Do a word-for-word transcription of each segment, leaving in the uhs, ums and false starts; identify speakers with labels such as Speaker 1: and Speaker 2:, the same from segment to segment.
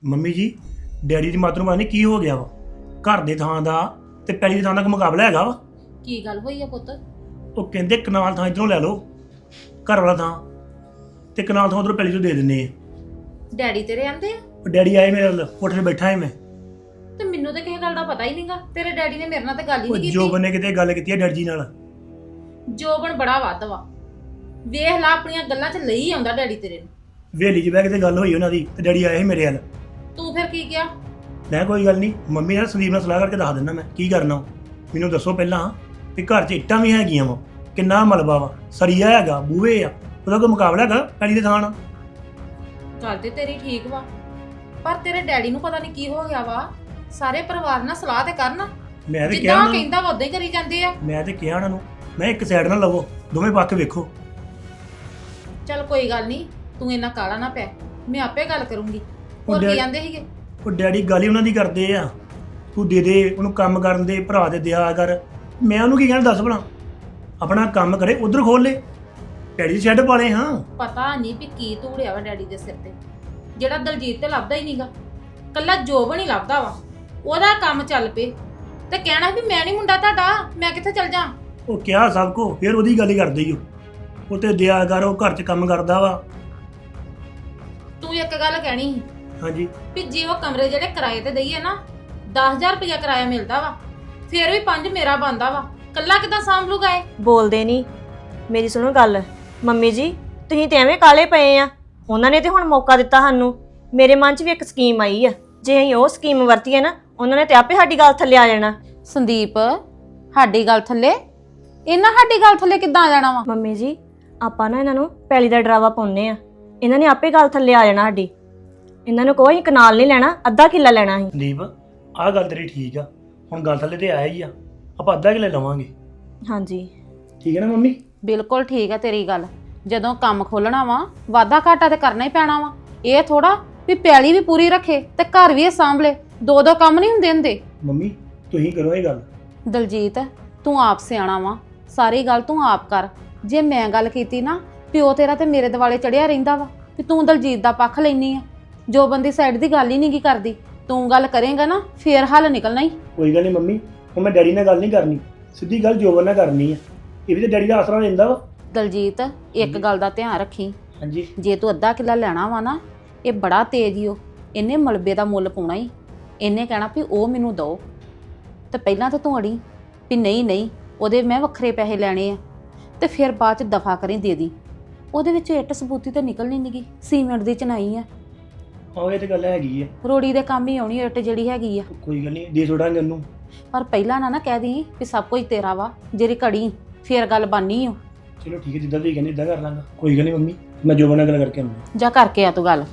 Speaker 1: Mummy ਜੀ daddy ਦੀ ਮਾਤਰ ਨੂੰ ਪਤਾ ਨਹੀਂ ਕੀ ਹੋ ਗਿਆ ਵਾ। ਘਰ ਦੇ ਥਾਂ ਦਾ ਤੇ ਪੈਲੀ ਦੀ ਥਾਂ ਦਾ ਕੋਈ ਮੁਕਾਬਲਾ ਹੈਗਾ ਵਾ।
Speaker 2: ਕੀ ਗੱਲ ਹੋਈ ਆ ਪੁੱਤ?
Speaker 1: ਉਹ ਕਹਿੰਦੇ ਕਨਾਲ ਥਾਂ ਇੱਧਰੋਂ ਲੈ ਲਓ, ਘਰ ਵਾਲਾ ਥਾਂ, ਤੇ ਕਨਾਲ ਥਾਂ ਉਧਰੋਂ ਪੈਲੀ ਤੋਂ ਦੇ ਦਿੰਦੇ ਆ।
Speaker 2: ਡੈਡੀ ਤੇਰੇ ਆਂਦੇ ਆ?
Speaker 1: ਉਹ ਡੈਡੀ ਆਏ ਮੇਰੇ ਨਾਲ, ਕੋਠੇ 'ਤੇ ਬੈਠਾ ਹੈ ਮੈਂ।
Speaker 2: ਤੇ ਮੈਨੂੰ ਤਾਂ ਕਿਸੇ ਗੱਲ ਦਾ ਪਤਾ ਹੀ ਨਹੀਂਗਾ। ਤੇਰੇ ਡੈਡੀ ਨੇ ਮੇਰੇ ਨਾਲ ਤਾਂ ਗੱਲ ਹੀ
Speaker 1: ਉਹ
Speaker 2: ਨਹੀਂ
Speaker 1: ਜੋ
Speaker 2: ਕੀਤੀ।
Speaker 1: ਬੰਨੇ ਕਿਤੇ ਗੱਲ ਕੀਤੀ ਹੈ ਡੈਡੀ ਜੀ ਨਾਲ।
Speaker 2: ਜੋਬਨ ਬੜਾ ਵੱਧ ਵਾ, ਵੇਖ ਲਾ ਆਪਣੀਆਂ ਗੱਲਾਂ 'ਚ ਲਈ ਆਉਂਦਾ ਡੈਡੀ ਤੇਰੇ ਨੂੰ।
Speaker 1: ਵੇਲੀ 'ਚ ਬਹਿ ਕੇ ਤੇ ਗੱਲ ਹੋਈ ਉਹਨਾਂ ਦੀ, ਤੇ ਡੈਡੀ ਆਏ ਸੀ ਮੇਰੇ ਨਾਲ।
Speaker 2: ਤੂੰ ਫਿਰ ਕੀ ਕਿਹਾ?
Speaker 1: ਮੈਂ ਕੋਈ ਗੱਲ ਨਹੀਂ ਮੰਮੀ ਨਾਲ ਸੰਦੀਪ ਨਾਲ ਸਲਾਹ ਕਰਕੇ ਦੱਸ ਦਿੰਦਾ ਮੈਂ ਕੀ ਕਰਨਾ। ਮੈਨੂੰ ਦੱਸੋ ਪਹਿਲਾਂ ਵੀ ਘਰ 'ਚ ਇੱਟਾਂ ਵੀ ਹੈਗੀਆਂ ਵਾ, ਕਿੰਨਾ ਮਲਬਾ ਵਾ, ਸਰੀਆ ਹੈਗਾ, ਬੂਹੇ ਆ, ਉਹਦਾ ਕੋਈ ਮੁਕਾਬਲਾ ਹੈਗਾ ਪੈਲੀ ਦੇ ਥਾਂ ਨਾਲ?
Speaker 2: ਗੱਲ ਤੇ ਤੇਰੀ ਠੀਕ ਵਾ, ਪਰ ਤੇਰੇ ਡੈਡੀ ਨੂੰ ਪਤਾ ਨਹੀਂ ਕੀ ਹੋ ਗਿਆ ਵਾ। ਸਾਰੇ ਪਰਿਵਾਰ ਨਾਲ ਸਲਾਹ ਤੇ ਕਰਨ,
Speaker 1: ਮੈਂ ਤੇ ਕਿਹਾ
Speaker 2: ਜਿੱਦਾਂ
Speaker 1: ਉਹਨਾਂ ਨੂੰ,
Speaker 2: ਕਹਿੰਦਾ ਵਾ ਉਦਾਂ ਹੀ ਕਰੀ ਜਾਂਦੇ ਆ।
Speaker 1: ਮੈਂ ਤੇ ਕਿਹਾ ਉਹਨਾਂ ਨੂੰ, ਮੈਂ ਇੱਕ ਸਾਈਡ ਨਾਲ ਲਵੋ, ਦੋਵੇਂ ਪੱਖ ਵੇਖੋ।
Speaker 2: ਚੱਲ ਕੋਈ ਗੱਲ ਨਹੀਂ, ਤੂੰ ਇੰਨਾ ਕਾਲਾ ਨਾ ਪੈ, ਮੈਂ ਆਪੇ ਗੱਲ ਕਰੂੰਗੀ। ਹੋਰ
Speaker 1: ਡੈ-
Speaker 2: ਕੀ ਕਹਿੰਦੇ ਸੀਗੇ?
Speaker 1: ਉਹ ਡੈਡੀ ਗੱਲ ਹੀ ਉਹਨਾਂ ਦੀ ਕਰਦੇ ਆ, ਤੂੰ ਦੇ ਦੇ ਉਹਨੂੰ ਕੰਮ ਕਰਨ ਦੇ, ਭਰਾ ਦੇ ਦਿਆ ਕਰ। ਮੈਂ ਉਹਨੂੰ ਕੀ ਕਹਿਣਾ ਦੱਸ ਭਲਾ, ਆਪਣਾ ਕੰਮ ਕਰੇ ਉਧਰ ਖੋਲ ਲੇ, ਡੈਡੀ ਦੀ ਸ਼ੈੱਡ ਪਾ ਲੇ। ਹਾਂ
Speaker 2: ਪਤਾ ਨਹੀਂ ਵੀ ਕੀ ਧੂੜਿਆ ਵਾ ਡੈਡੀ ਦੇ ਸਿਰ ਤੇ, ਜਿਹੜਾ ਦਲਜੀਤ ਤੇ ਲੱਭਦਾ ਹੀ ਨਹੀਂਗਾ। ਕੱਲਾ ਜੋਬਨ ਹੀ ਲੱਭਦਾ ਵਾ, ਉਹਦਾ ਕੰਮ ਚੱਲ ਪਏ ਤੇ ਕਹਿਣਾ ਵੀ ਮੈਂ ਨਹੀਂ ਮੁੰਡਾ ਤੁਹਾਡਾ, ਮੈਂ ਕਿੱਥੇ ਚੱਲ ਜਾ।
Speaker 1: ਉਹ ਕਿਹਾ ਸਭ ਕੋ, ਫਿਰ ਉਹਦੀ ਗੱਲ ਹੀ ਕਰਦੇ ਹੀ ਉਹ ਉਹ ਤੇ ਦਿਆ ਕਰ, ਉਹ ਘਰ 'ਚ ਕੰਮ ਕਰਦਾ ਵਾ।
Speaker 2: ਤੂੰ ਇੱਕ ਗੱਲ ਕਹਿਣੀ ਸੀ
Speaker 1: ਹਾਂਜੀ
Speaker 2: ਵੀ ਜੇ ਉਹ ਕਮਰੇ ਜਿਹੜੇ ਕਿਰਾਏ ਤੇ ਦਈਏ ਨਾ, ਦਸ ਹਜ਼ਾਰ ਰੁਪਇਆ ਕਿਰਾਇਆ ਮਿਲਦਾ ਵਾ, ਫਿਰ ਵੀ ਪੰਜ ਮੇਰਾ ਬਣਦਾ ਵਾ। ਕੱਲਾ ਕਿਦਾਂ ਸਾਂਭ ਲੂਗਾ ਇਹ?
Speaker 3: ਬੋਲਦੇ ਨਹੀਂ। ਮੇਰੀ ਸੁਣੋ ਗੱਲ, ਮੰਮੀ ਜੀ ਤੁਸੀਂ ਤੇ ਐਵੇਂ ਕਾਲੇ ਪਏ ਆ। ਉਹਨਾਂ ਨੇ ਤੇ ਹੁਣ ਮੌਕਾ ਦਿੱਤਾ ਸਾਨੂੰ। ਮੇਰੇ ਮਨ 'ਚ ਵੀ ਇੱਕ ਸਕੀਮ ਆਈ ਆ, ਜੇ ਅਸੀਂ ਉਹ ਸਕੀਮ ਵਰਤੀਏ ਨਾ, ਉਹਨਾਂ ਨੇ ਤੇ ਆਪੇ ਸਾਡੀ ਗੱਲ ਥੱਲੇ ਆ ਜਾਣਾ।
Speaker 2: ਸੰਦੀਪ, ਸਾਡੀ ਗੱਲ ਥੱਲੇ? ਇਹਨਾਂ ਸਾਡੀ ਗੱਲ ਥੱਲੇ ਕਿੱਦਾਂ ਆ ਜਾਣਾ ਵਾ?
Speaker 3: ਮੰਮੀ ਜੀ ਆਪਾਂ ਨਾ ਇਹਨਾਂ ਨੂੰ ਪੈਲੀ ਦਾ ਡਰਾਵਾ ਪਾਉਂਦੇ ਆ, ਇਹਨਾਂ ਨੇ ਆਪੇ ਗੱਲ ਥੱਲੇ ਆ ਜਾਣਾ ਸਾਡੀ। ਇਹਨਾਂ ਨੂੰ ਕੋਈ ਕਨਾਲ ਨਹੀਂ ਲੈਣਾ, ਅੱਧਾ ਕਿੱਲਾ ਲੈਣਾ ਸੀ।
Speaker 1: ਸੰਦੀਪ ਆਹ ਗੱਲ ਤੇਰੀ ਠੀਕ ਆ, ਹੁਣ ਗੱਲ ਥੱਲੇ ਤੇ ਆਇਆ ਹੀ ਆ, ਆਪਾਂ ਅੱਧਾ ਕਿੱਲੇ ਲਵਾਂਗੇ।
Speaker 3: ਹਾਂਜੀ
Speaker 1: ਠੀਕ ਹੈ ਨਾ ਮੰਮੀ?
Speaker 2: ਬਿਲਕੁਲ ਠੀਕ ਆ ਤੇਰੀ ਗੱਲ। ਜਦੋਂ ਕੰਮ ਖੋਲਣਾ ਵਾ, ਵਾਧਾ ਘਾਟਾ ਤੇ ਕਰਨਾ ਹੀ ਪੈਣਾ ਵਾ। ਇਹ ਥੋੜਾ ਵੀ ਪੈਲੀ ਵੀ ਪੂਰੀ ਰੱਖੇ ਤੇ ਘਰ ਵੀ ਇਹ ਸਾਂਭ ਲੇ, ਦੋ ਦੋ ਕੰਮ ਨਹੀਂ ਹੁੰਦੇ ਹੁੰਦੇ।
Speaker 1: ਮੰਮੀ ਤੁਸੀਂ ਕਰੋ ਇਹ ਗੱਲ।
Speaker 2: ਦਲਜੀਤ ਤੂੰ ਆਪ ਸਿਆਣਾ ਵਾ, ਸਾਰੀ ਗੱਲ ਤੂੰ ਆਪ ਕਰ। ਜੇ ਮੈਂ ਗੱਲ ਕੀਤੀ ਨਾ, ਪਿਓ ਤੇਰਾ ਤੇ ਮੇਰੇ ਦਿਵਾਲੇ ਚੜਿਆ ਰਹਿੰਦਾ ਵਾ ਵੀ ਤੂੰ ਦਲਜੀਤ ਦਾ ਪੱਖ ਲੈਣੀ ਆ। ਜੋ ਬੰਦੀ ਸਾਈਡ ਦੀ ਗੱਲ ਹੀ ਨਹੀਂ ਕੀ ਕਰਦੀ, ਤੂੰ ਗੱਲ ਕਰੇਂਗਾ ਨਾ ਫੇਰ ਹੱਲ ਨਿਕਲਣਾ ਹੀ।
Speaker 1: ਕੋਈ ਗੱਲ ਨਹੀਂ ਮੰਮੀ, ਹੁਣ ਮੈਂ ਡੈਡੀ ਨਾਲ ਗੱਲ ਨਹੀਂ ਕਰਨੀ, ਸਿੱਧੀ ਗੱਲ ਜੋਬਨ ਨਾਲ ਕਰਨੀ ਆ। ਇਹ ਵੀ ਤਾਂ ਡੈਡੀ ਦਾ ਆਸਰਾ ਲੈਂਦਾ ਵਾ।
Speaker 2: ਦਲਜੀਤ ਇੱਕ ਗੱਲ ਦਾ ਧਿਆਨ ਰੱਖੀ,
Speaker 1: ਹਾਂਜੀ
Speaker 2: ਜੇ ਤੂੰ ਅੱਧਾ ਕਿੱਲਾ ਲੈਣਾ ਵਾ ਨਾ, ਇਹ ਬੜਾ ਤੇਜ਼ ਈ ਓ, ਇਹਨੇ ਮਲਬੇ ਦਾ ਮੁੱਲ ਪਾਉਣਾ ਹੀ। ਇਹਨੇ ਕਹਿਣਾ ਵੀ ਉਹ ਮੈਨੂੰ ਦਿਓ, ਤੇ ਪਹਿਲਾਂ ਤਾਂ ਤੂੰ ਅੜੀ ਵੀ ਨਹੀਂ ਨਹੀਂ ਉਹਦੇ ਮੈਂ ਵੱਖਰੇ ਪੈਸੇ ਲੈਣੇ ਆ, ਤੇ ਫਿਰ ਬਾਅਦ ਚ ਦਫਾ ਕਰੀ ਦੇ ਦੀ। ਉਹਦੇ ਵਿੱਚ ਇੱਟ ਸਬੂਤੀ ਤਾਂ ਨਿਕਲਣੀ ਨਹੀਂਗੀ, ਸੀਮੈਂਟ ਦੀ ਚਨਾਈ ਆ।
Speaker 1: ਹਾਂ ਇਹ ਤੇ ਗੱਲ ਹੈਗੀ ਆ,
Speaker 2: ਰੋੜੀ ਦੇ ਕੰਮ ਹੀ ਆਉਣੀ ਇੱਟ ਜਿਹੜੀ ਹੈਗੀ ਆ।
Speaker 1: ਕੋਈ ਗੱਲ ਨਹੀਂ ਦੇ ਛੋੜਾਂਗੇ ਉਹਨੂੰ।
Speaker 2: ਪਰ ਪਹਿਲਾਂ ਨਾ ਨਾ ਕਹਿ ਦੀ ਵੀ ਸਭ ਕੁਝ ਤੇਰਾ ਵਾ, ਜਿਹੜੀ ਘੜੀ ਫੇਰ ਗੱਲ ਬਾਨੀ ਓ।
Speaker 1: ਚਲੋ ਠੀਕ ਹੈ, ਜਿੱਦਾਂ ਤੁਸੀਂ ਕਹਿੰਦੇ ਇਦਾਂ ਕਰ ਲਾਂਗਾ। ਕੋਈ ਗੱਲ ਨਹੀਂ ਮੰਮੀ, ਮੈਂ ਜੋਬਨ ਨਾਲ ਗੱਲ ਕਰਕੇ ਆਉਂਦਾ।
Speaker 2: ਜਾ ਕਰਕੇ ਆ ਤੂੰ ਗੱਲ।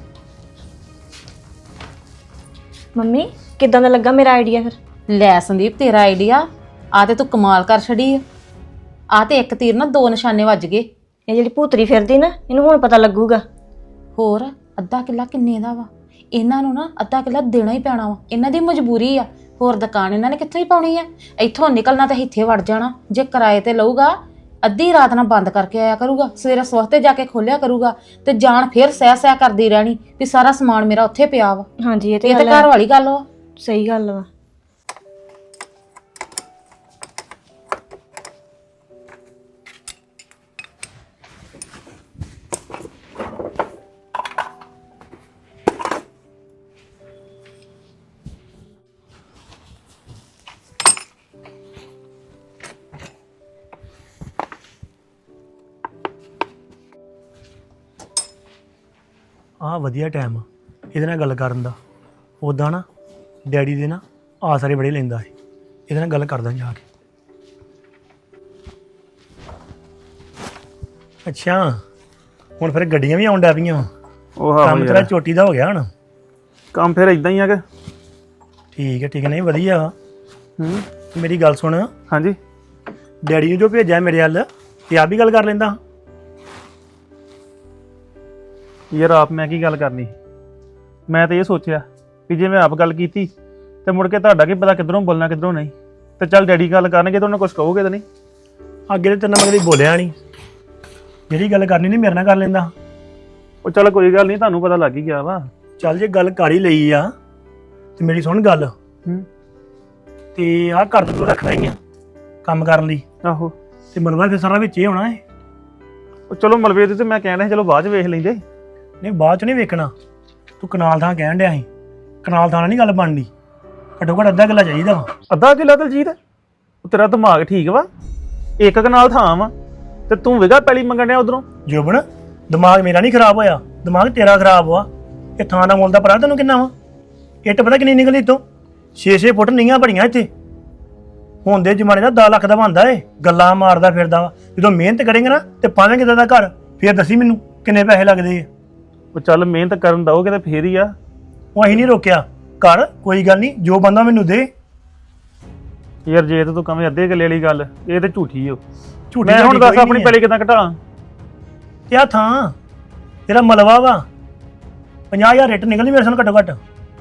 Speaker 3: ਮੰਮੀ ਕਿੱਦਾਂ ਦਾ ਲੱਗਾ ਮੇਰਾ ਆਈਡੀਆ ਫਿਰ?
Speaker 2: ਲੈ ਸੰਦੀਪ, ਤੇਰਾ ਆਈਡੀਆ ਆ ਤੇ ਤੂੰ ਕਮਾਲ ਕਰ ਛੜੀ ਆ। ਆ ਤੇ ਇੱਕ ਤੀਰ ਨਾਲ ਦੋ ਨਿਸ਼ਾਨੇ ਵੱਜ ਗਏ।
Speaker 3: ਇਹ ਜਿਹੜੀ ਭੂਤਰੀ ਫਿਰਦੀ ਨਾ, ਇਹਨੂੰ ਹੁਣ ਪਤਾ ਲੱਗੂਗਾ।
Speaker 2: ਹੋਰ ਅੱਧਾ ਕਿੱਲਾ ਕਿੰਨੇ ਦਾ ਵਾ? ਇਹਨਾਂ ਨੂੰ ਨਾ ਅੱਧਾ ਕਿੱਲਾ ਦੇਣਾ ਹੀ ਪੈਣਾ ਵਾ, ਇਹਨਾਂ ਦੀ ਮਜਬੂਰੀ ਆ। ਹੋਰ ਦੁਕਾਨ ਇਹਨਾਂ ਨੇ ਕਿੱਥੋਂ ਹੀ ਪਾਉਣੀ ਆ? ਇੱਥੋਂ ਨਿਕਲਣਾ ਤਾਂ ਇੱਥੇ ਵੜ ਜਾਣਾ। ਜੇ ਕਿਰਾਏ ਤੇ ਲਊਗਾ, ਅੱਧੀ ਰਾਤ ਨਾਲ ਬੰਦ ਕਰਕੇ ਆਇਆ ਕਰੂਗਾ, ਸਵੇਰੇ ਸਵਖਤੇ ਜਾ ਕੇ ਖੋਲਿਆ ਕਰੂਗਾ, ਤੇ ਜਾਣ ਫਿਰ ਸਹਿ ਸਹਿ ਕਰਦੀ ਰਹਿਣੀ ਵੀ ਸਾਰਾ ਸਮਾਨ ਮੇਰਾ ਉੱਥੇ ਪਿਆ ਵਾ।
Speaker 3: ਹਾਂਜੀ ਇਹ ਤੇ
Speaker 2: ਇਹ ਤਾਂ
Speaker 3: ਗੱਲ ਹੈ।
Speaker 2: ਘਰ ਵਾਲੀ ਗੱਲ ਵਾ।
Speaker 3: ਸਹੀ ਗੱਲ ਵਾ।
Speaker 1: ਆਹ ਵਧੀਆ ਟਾਈਮ ਆ ਇਹਦੇ ਨਾਲ ਗੱਲ ਕਰਨ ਦਾ। ਉੱਦਾਂ ਨਾ ਡੈਡੀ ਦੇ ਨਾ ਆਸਰੇ ਬੜੇ ਲੈਂਦਾ ਸੀ, ਇਹਦੇ ਨਾਲ ਗੱਲ ਕਰਦਾ ਜਾ ਕੇ। ਅੱਛਾ ਹੁਣ ਫਿਰ ਗੱਡੀਆਂ ਵੀ ਆਉਣ ਡੈ ਪਈਆਂ।
Speaker 4: ਉਹ ਹਾਂ
Speaker 1: ਕੰਮ ਤੇਰਾ ਚੋਟੀ ਦਾ ਹੋ ਗਿਆ ਹੁਣ?
Speaker 4: ਕੰਮ ਫਿਰ ਇਦਾਂ ਹੀ ਆ ਕਿ
Speaker 1: ਠੀਕ ਹੈ ਠੀਕ ਹੈ, ਨਹੀਂ ਵਧੀਆ ਵਾ।
Speaker 4: ਹੂੰ
Speaker 1: ਮੇਰੀ ਗੱਲ ਸੁਣ,
Speaker 4: ਹਾਂਜੀ
Speaker 1: ਡੈਡੀ ਨੂੰ ਜੋ ਭੇਜਿਆ ਮੇਰੇ ਵੱਲ, ਤੇ ਆਪ ਵੀ ਗੱਲ ਕਰ ਲੈਂਦਾ।
Speaker 4: ਯਾਰ ਆਪ ਮੈਂ ਕੀ ਗੱਲ ਕਰਨੀ, ਮੈਂ ਤਾਂ ਇਹ ਸੋਚਿਆ ਵੀ ਜੇ ਮੈਂ ਆਪ ਗੱਲ ਕੀਤੀ ਤੇ ਮੁੜ ਕੇ ਤੁਹਾਡਾ ਕੀ ਪਤਾ ਕਿੱਧਰੋਂ ਬੋਲਣਾ ਕਿੱਧਰੋਂ ਨਹੀਂ। ਤੇ ਚੱਲ ਡੈਡੀ ਗੱਲ ਕਰਨਗੇ ਤਾਂ ਉਹਨਾਂ ਕੁਝ ਕਹੋਗੇ ਤਾਂ ਨਹੀਂ?
Speaker 1: ਅੱਗੇ ਤੇ ਤੇਰੇ ਨਾਲ ਮੈਂ ਕਦੀ ਬੋਲਿਆ ਨਹੀਂ, ਜਿਹੜੀ ਗੱਲ ਕਰਨੀ ਨਹੀਂ ਮੇਰੇ ਨਾਲ ਕਰ ਲੈਂਦਾ।
Speaker 4: ਉਹ ਚੱਲ ਕੋਈ ਗੱਲ ਨਹੀਂ, ਤੁਹਾਨੂੰ ਪਤਾ ਲੱਗ ਹੀ ਗਿਆ ਵਾ।
Speaker 1: ਚੱਲ ਜੇ ਗੱਲ ਕਰ ਹੀ ਲਈ ਆ ਤੇ ਮੇਰੀ ਸੁਣ ਗੱਲ
Speaker 4: ਹੂੰ
Speaker 1: ਤੇ ਆਹ ਘਰ ਤੋਂ ਰੱਖਣਾ ਹੀ ਆ ਕੰਮ ਕਰਨ ਲਈ
Speaker 4: ਆਹੋ
Speaker 1: ਤੇ ਮਲਬਾ ਫਿਰ ਸਾਰਾ ਵਿੱਚ ਹੀ ਹੋਣਾ ਹੈ।
Speaker 4: ਉਹ ਚਲੋ ਮਲਬੇ ਦੇ ਤੇ ਮੈਂ ਕਹਿਣ ਡਿਆ ਸੀ ਚਲੋ ਬਾਅਦ ਚ ਵੇਖ ਲੈਂਦੇ।
Speaker 1: ਨਹੀਂ ਬਾਅਦ ਚ ਨਹੀਂ ਵੇਖਣਾ, ਤੂੰ ਕਨਾਲ ਥਾਂ ਕਹਿਣ ਡਿਆ ਸੀ, ਕਨਾਲ ਥਾਂ ਨਾਲ ਨਹੀਂ ਗੱਲ ਬਣਨੀ, ਘੱਟੋ ਘੱਟ ਅੱਧਾ ਕਿੱਲਾ ਚਾਹੀਦਾ ਵਾ।
Speaker 4: ਅੱਧਾ ਕਿੱਲਾ ਦਲਜੀਤ, ਉਹ ਤੇਰਾ ਦਿਮਾਗ ਠੀਕ ਵਾ? ਇੱਕ ਕਨਾਲ ਥਾਂ ਵਾ ਤੇ ਤੂੰ ਵਿਗਾ ਪੈਲੀ ਮੰਗਣ ਡਿਆ ਉਧਰੋਂ।
Speaker 1: ਜੋਬਨ ਦਿਮਾਗ ਮੇਰਾ ਨਹੀਂ ਖਰਾਬ ਹੋਇਆ, ਦਿਮਾਗ ਤੇਰਾ ਖਰਾਬ ਹੋਆ। ਇਹ ਥਾਂ ਦਾ ਮੁੱਲ ਦਾ ਪਤਾ ਤੈਨੂੰ ਕਿੰਨਾ ਵਾ? ਇੱਟ ਪਤਾ ਕਿੰਨੀ ਨਿਕਲੀ ਤੋਂ? ਛੇ ਛੇ ਫੁੱਟ ਨੀਆਂ ਬੜੀਆਂ ਇੱਥੇ। ਹੁਣ ਦੇ ਜ਼ਮਾਨੇ ਦਾ ਦਸ ਲੱਖ ਦਾ ਬਣਦਾ ਏ, ਗੱਲਾਂ ਮਾਰਦਾ ਫਿਰਦਾ ਵਾ। ਜਦੋਂ ਮਿਹਨਤ ਕਰੇਂਗੇ ਨਾ ਤੇ ਪਾਵੇਂ ਕਿਦਾਂ ਦਾ ਘਰ, ਫੇਰ ਦੱਸੀ ਮੈਨੂੰ ਕਿੰਨੇ ਪੈਸੇ ਲੱਗਦੇ ਆ।
Speaker 4: ਉਹ ਚੱਲ ਮਿਹਨਤ ਕਰਨ ਦਓਗੇ ਤੇ ਫੇਰ ਹੀ ਆ।
Speaker 1: ਉਹ ਅਸੀਂ ਨਹੀਂ ਰੋਕਿਆ, ਕਰ ਕੋਈ ਗੱਲ ਨਹੀਂ, ਜੋ ਬੰਦਾ ਮੈਨੂੰ ਦੇ।
Speaker 4: ਯਾਰ ਜੇ ਤੇ ਤੂੰ ਕਵੇਂ ਅੱਧੇ ਕਿੱਲੇ ਵਾਲੀ ਗੱਲ, ਇਹ ਤੇ ਝੂਠੀ ਓ।
Speaker 1: ਝੂਠੀ
Speaker 4: ਮੈਂ ਹੁਣ
Speaker 1: ਸਾਡੀ
Speaker 4: ਦੱਸ
Speaker 1: ਕੋਈ
Speaker 4: ਆਪਣੀ
Speaker 1: ਨਹੀਂ
Speaker 4: ਪੈਲੀ ਕਿੱਦਾਂ ਘਟਾਲਾਂ?
Speaker 1: ਕਿਆ ਥਾਂ ਤੇਰਾ ਮਲਵਾ ਵਾ, ਪੰਜਾਹ ਹਜ਼ਾਰ ਰੇਟ ਨਿਕਲਣੀ ਮੇਰੇ ਸਾਨ ਘੱਟੋ ਘੱਟ।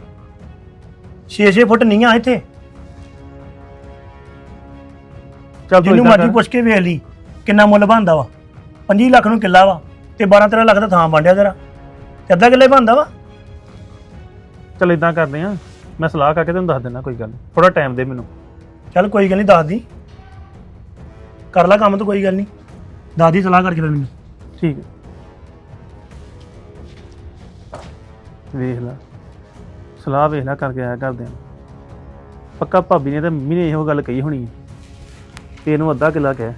Speaker 1: ਛੇ ਛੇ ਫੁੱਟ ਨੀਆਂ ਇੱਥੇ,
Speaker 4: ਚੱਲ ਤੂੰ
Speaker 1: ਜਿਹਨੂੰ
Speaker 4: ਏਦਾਂ
Speaker 1: ਮਰਜ਼ੀ
Speaker 4: ਕਰ।
Speaker 1: ਪੁੱਛ ਕੇ ਵੇਖ ਲਈ ਕਿੰਨਾ ਮੁੱਲ ਬਣਦਾ ਵਾ। ਪੰਜੀ ਲੱਖ ਨੂੰ ਕਿੱਲਾ ਵਾ ਤੇ ਬਾਰਾਂ ਤੇਰਾਂ ਲੱਖ ਦਾ ਥਾਂ ਬਣਿਆ ਤੇਰਾ, ਤੇ ਅੱਧਾ ਕਿੱਲੇ ਬਣਦਾ ਵਾ।
Speaker 4: ਚੱਲ ਇਦਾਂ ਕਰਦੇ ਆ, ਮੈਂ ਸਲਾਹ ਕਰਕੇ ਤੈਨੂੰ ਦੱਸ ਦਿੰਦਾ, ਕੋਈ ਗੱਲ ਨਹੀਂ, ਥੋੜਾ ਟਾਈਮ ਦੇ ਮੈਨੂੰ।
Speaker 1: ਚੱਲ ਕੋਈ ਗੱਲ ਨਹੀਂ, ਦੱਸ ਦੀ, ਕਰ ਲੈ ਕੰਮ, ਤਾਂ ਕੋਈ ਗੱਲ ਨਹੀਂ, ਦੱਸ ਦੀ ਸਲਾਹ ਕਰਕੇ ਫਿਰ ਮੈਨੂੰ।
Speaker 4: ਠੀਕ ਹੈ, ਵੇਖ ਲੈ ਸਲਾਹ ਵੇਖ ਲੈ ਕਰਕੇ ਆਇਆ ਕਰਦੇ ਆ। ਪੱਕਾ ਭਾਬੀ ਨੇ ਤੇ ਮੰਮੀ ਨੇ ਇਹੋ ਗੱਲ ਕਹੀ ਹੋਣੀ ਹੈ ਤੇ ਇਹਨੂੰ ਅੱਧਾ ਕਿੱਲਾ ਕਹਿ।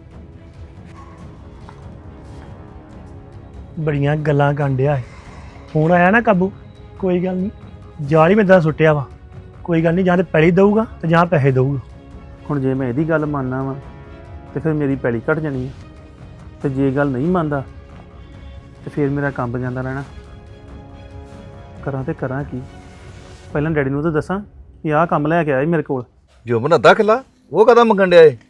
Speaker 1: ਬੜੀਆਂ ਗੱਲਾਂ ਕਾਂਡਿਆ ਫੋਨ ਆਇਆ ਨਾ ਕਾਬੂ, ਕੋਈ ਗੱਲ ਨਹੀਂ, ਜਾਲ ਹੀ ਮੈਂ ਇਦਾਂ ਸੁੱਟਿਆ ਵਾ। ਕੋਈ ਗੱਲ ਨਹੀਂ, ਜਾਂ ਤੇ ਪੈਲੀ ਦਊਗਾ ਤੇ ਜਾਂ ਪੈਸੇ ਦਊਗਾ।
Speaker 4: ਹੁਣ ਜੇ ਮੈਂ ਇਹਦੀ ਗੱਲ ਮੰਨਣਾ ਵਾ ਤੇ ਫਿਰ ਮੇਰੀ ਪੈਲੀ ਘਟ ਜਾਣੀ ਹੈ, ਤੇ ਜੇ ਗੱਲ ਨਹੀਂ ਮੰਨਦਾ ਤੇ ਫਿਰ ਮੇਰਾ ਕੰਮ ਜਾਂਦਾ ਰਹਿਣਾ। ਕਰਾਂ ਤੇ ਕਰਾਂ ਕੀ? ਪਹਿਲਾਂ ਡੈਡੀ ਨੂੰ ਤਾਂ ਦੱਸਾਂ ਕਿ ਆਹ ਕੰਮ ਲੈ ਕੇ ਆਇਆ ਮੇਰੇ ਕੋਲ।
Speaker 5: ਜੋਬਨ ਅੱਧਾ ਕਿੱਲਾ ਉਹ ਕਦਾ ਮੰਗਣ ਡਿਆ ਏ?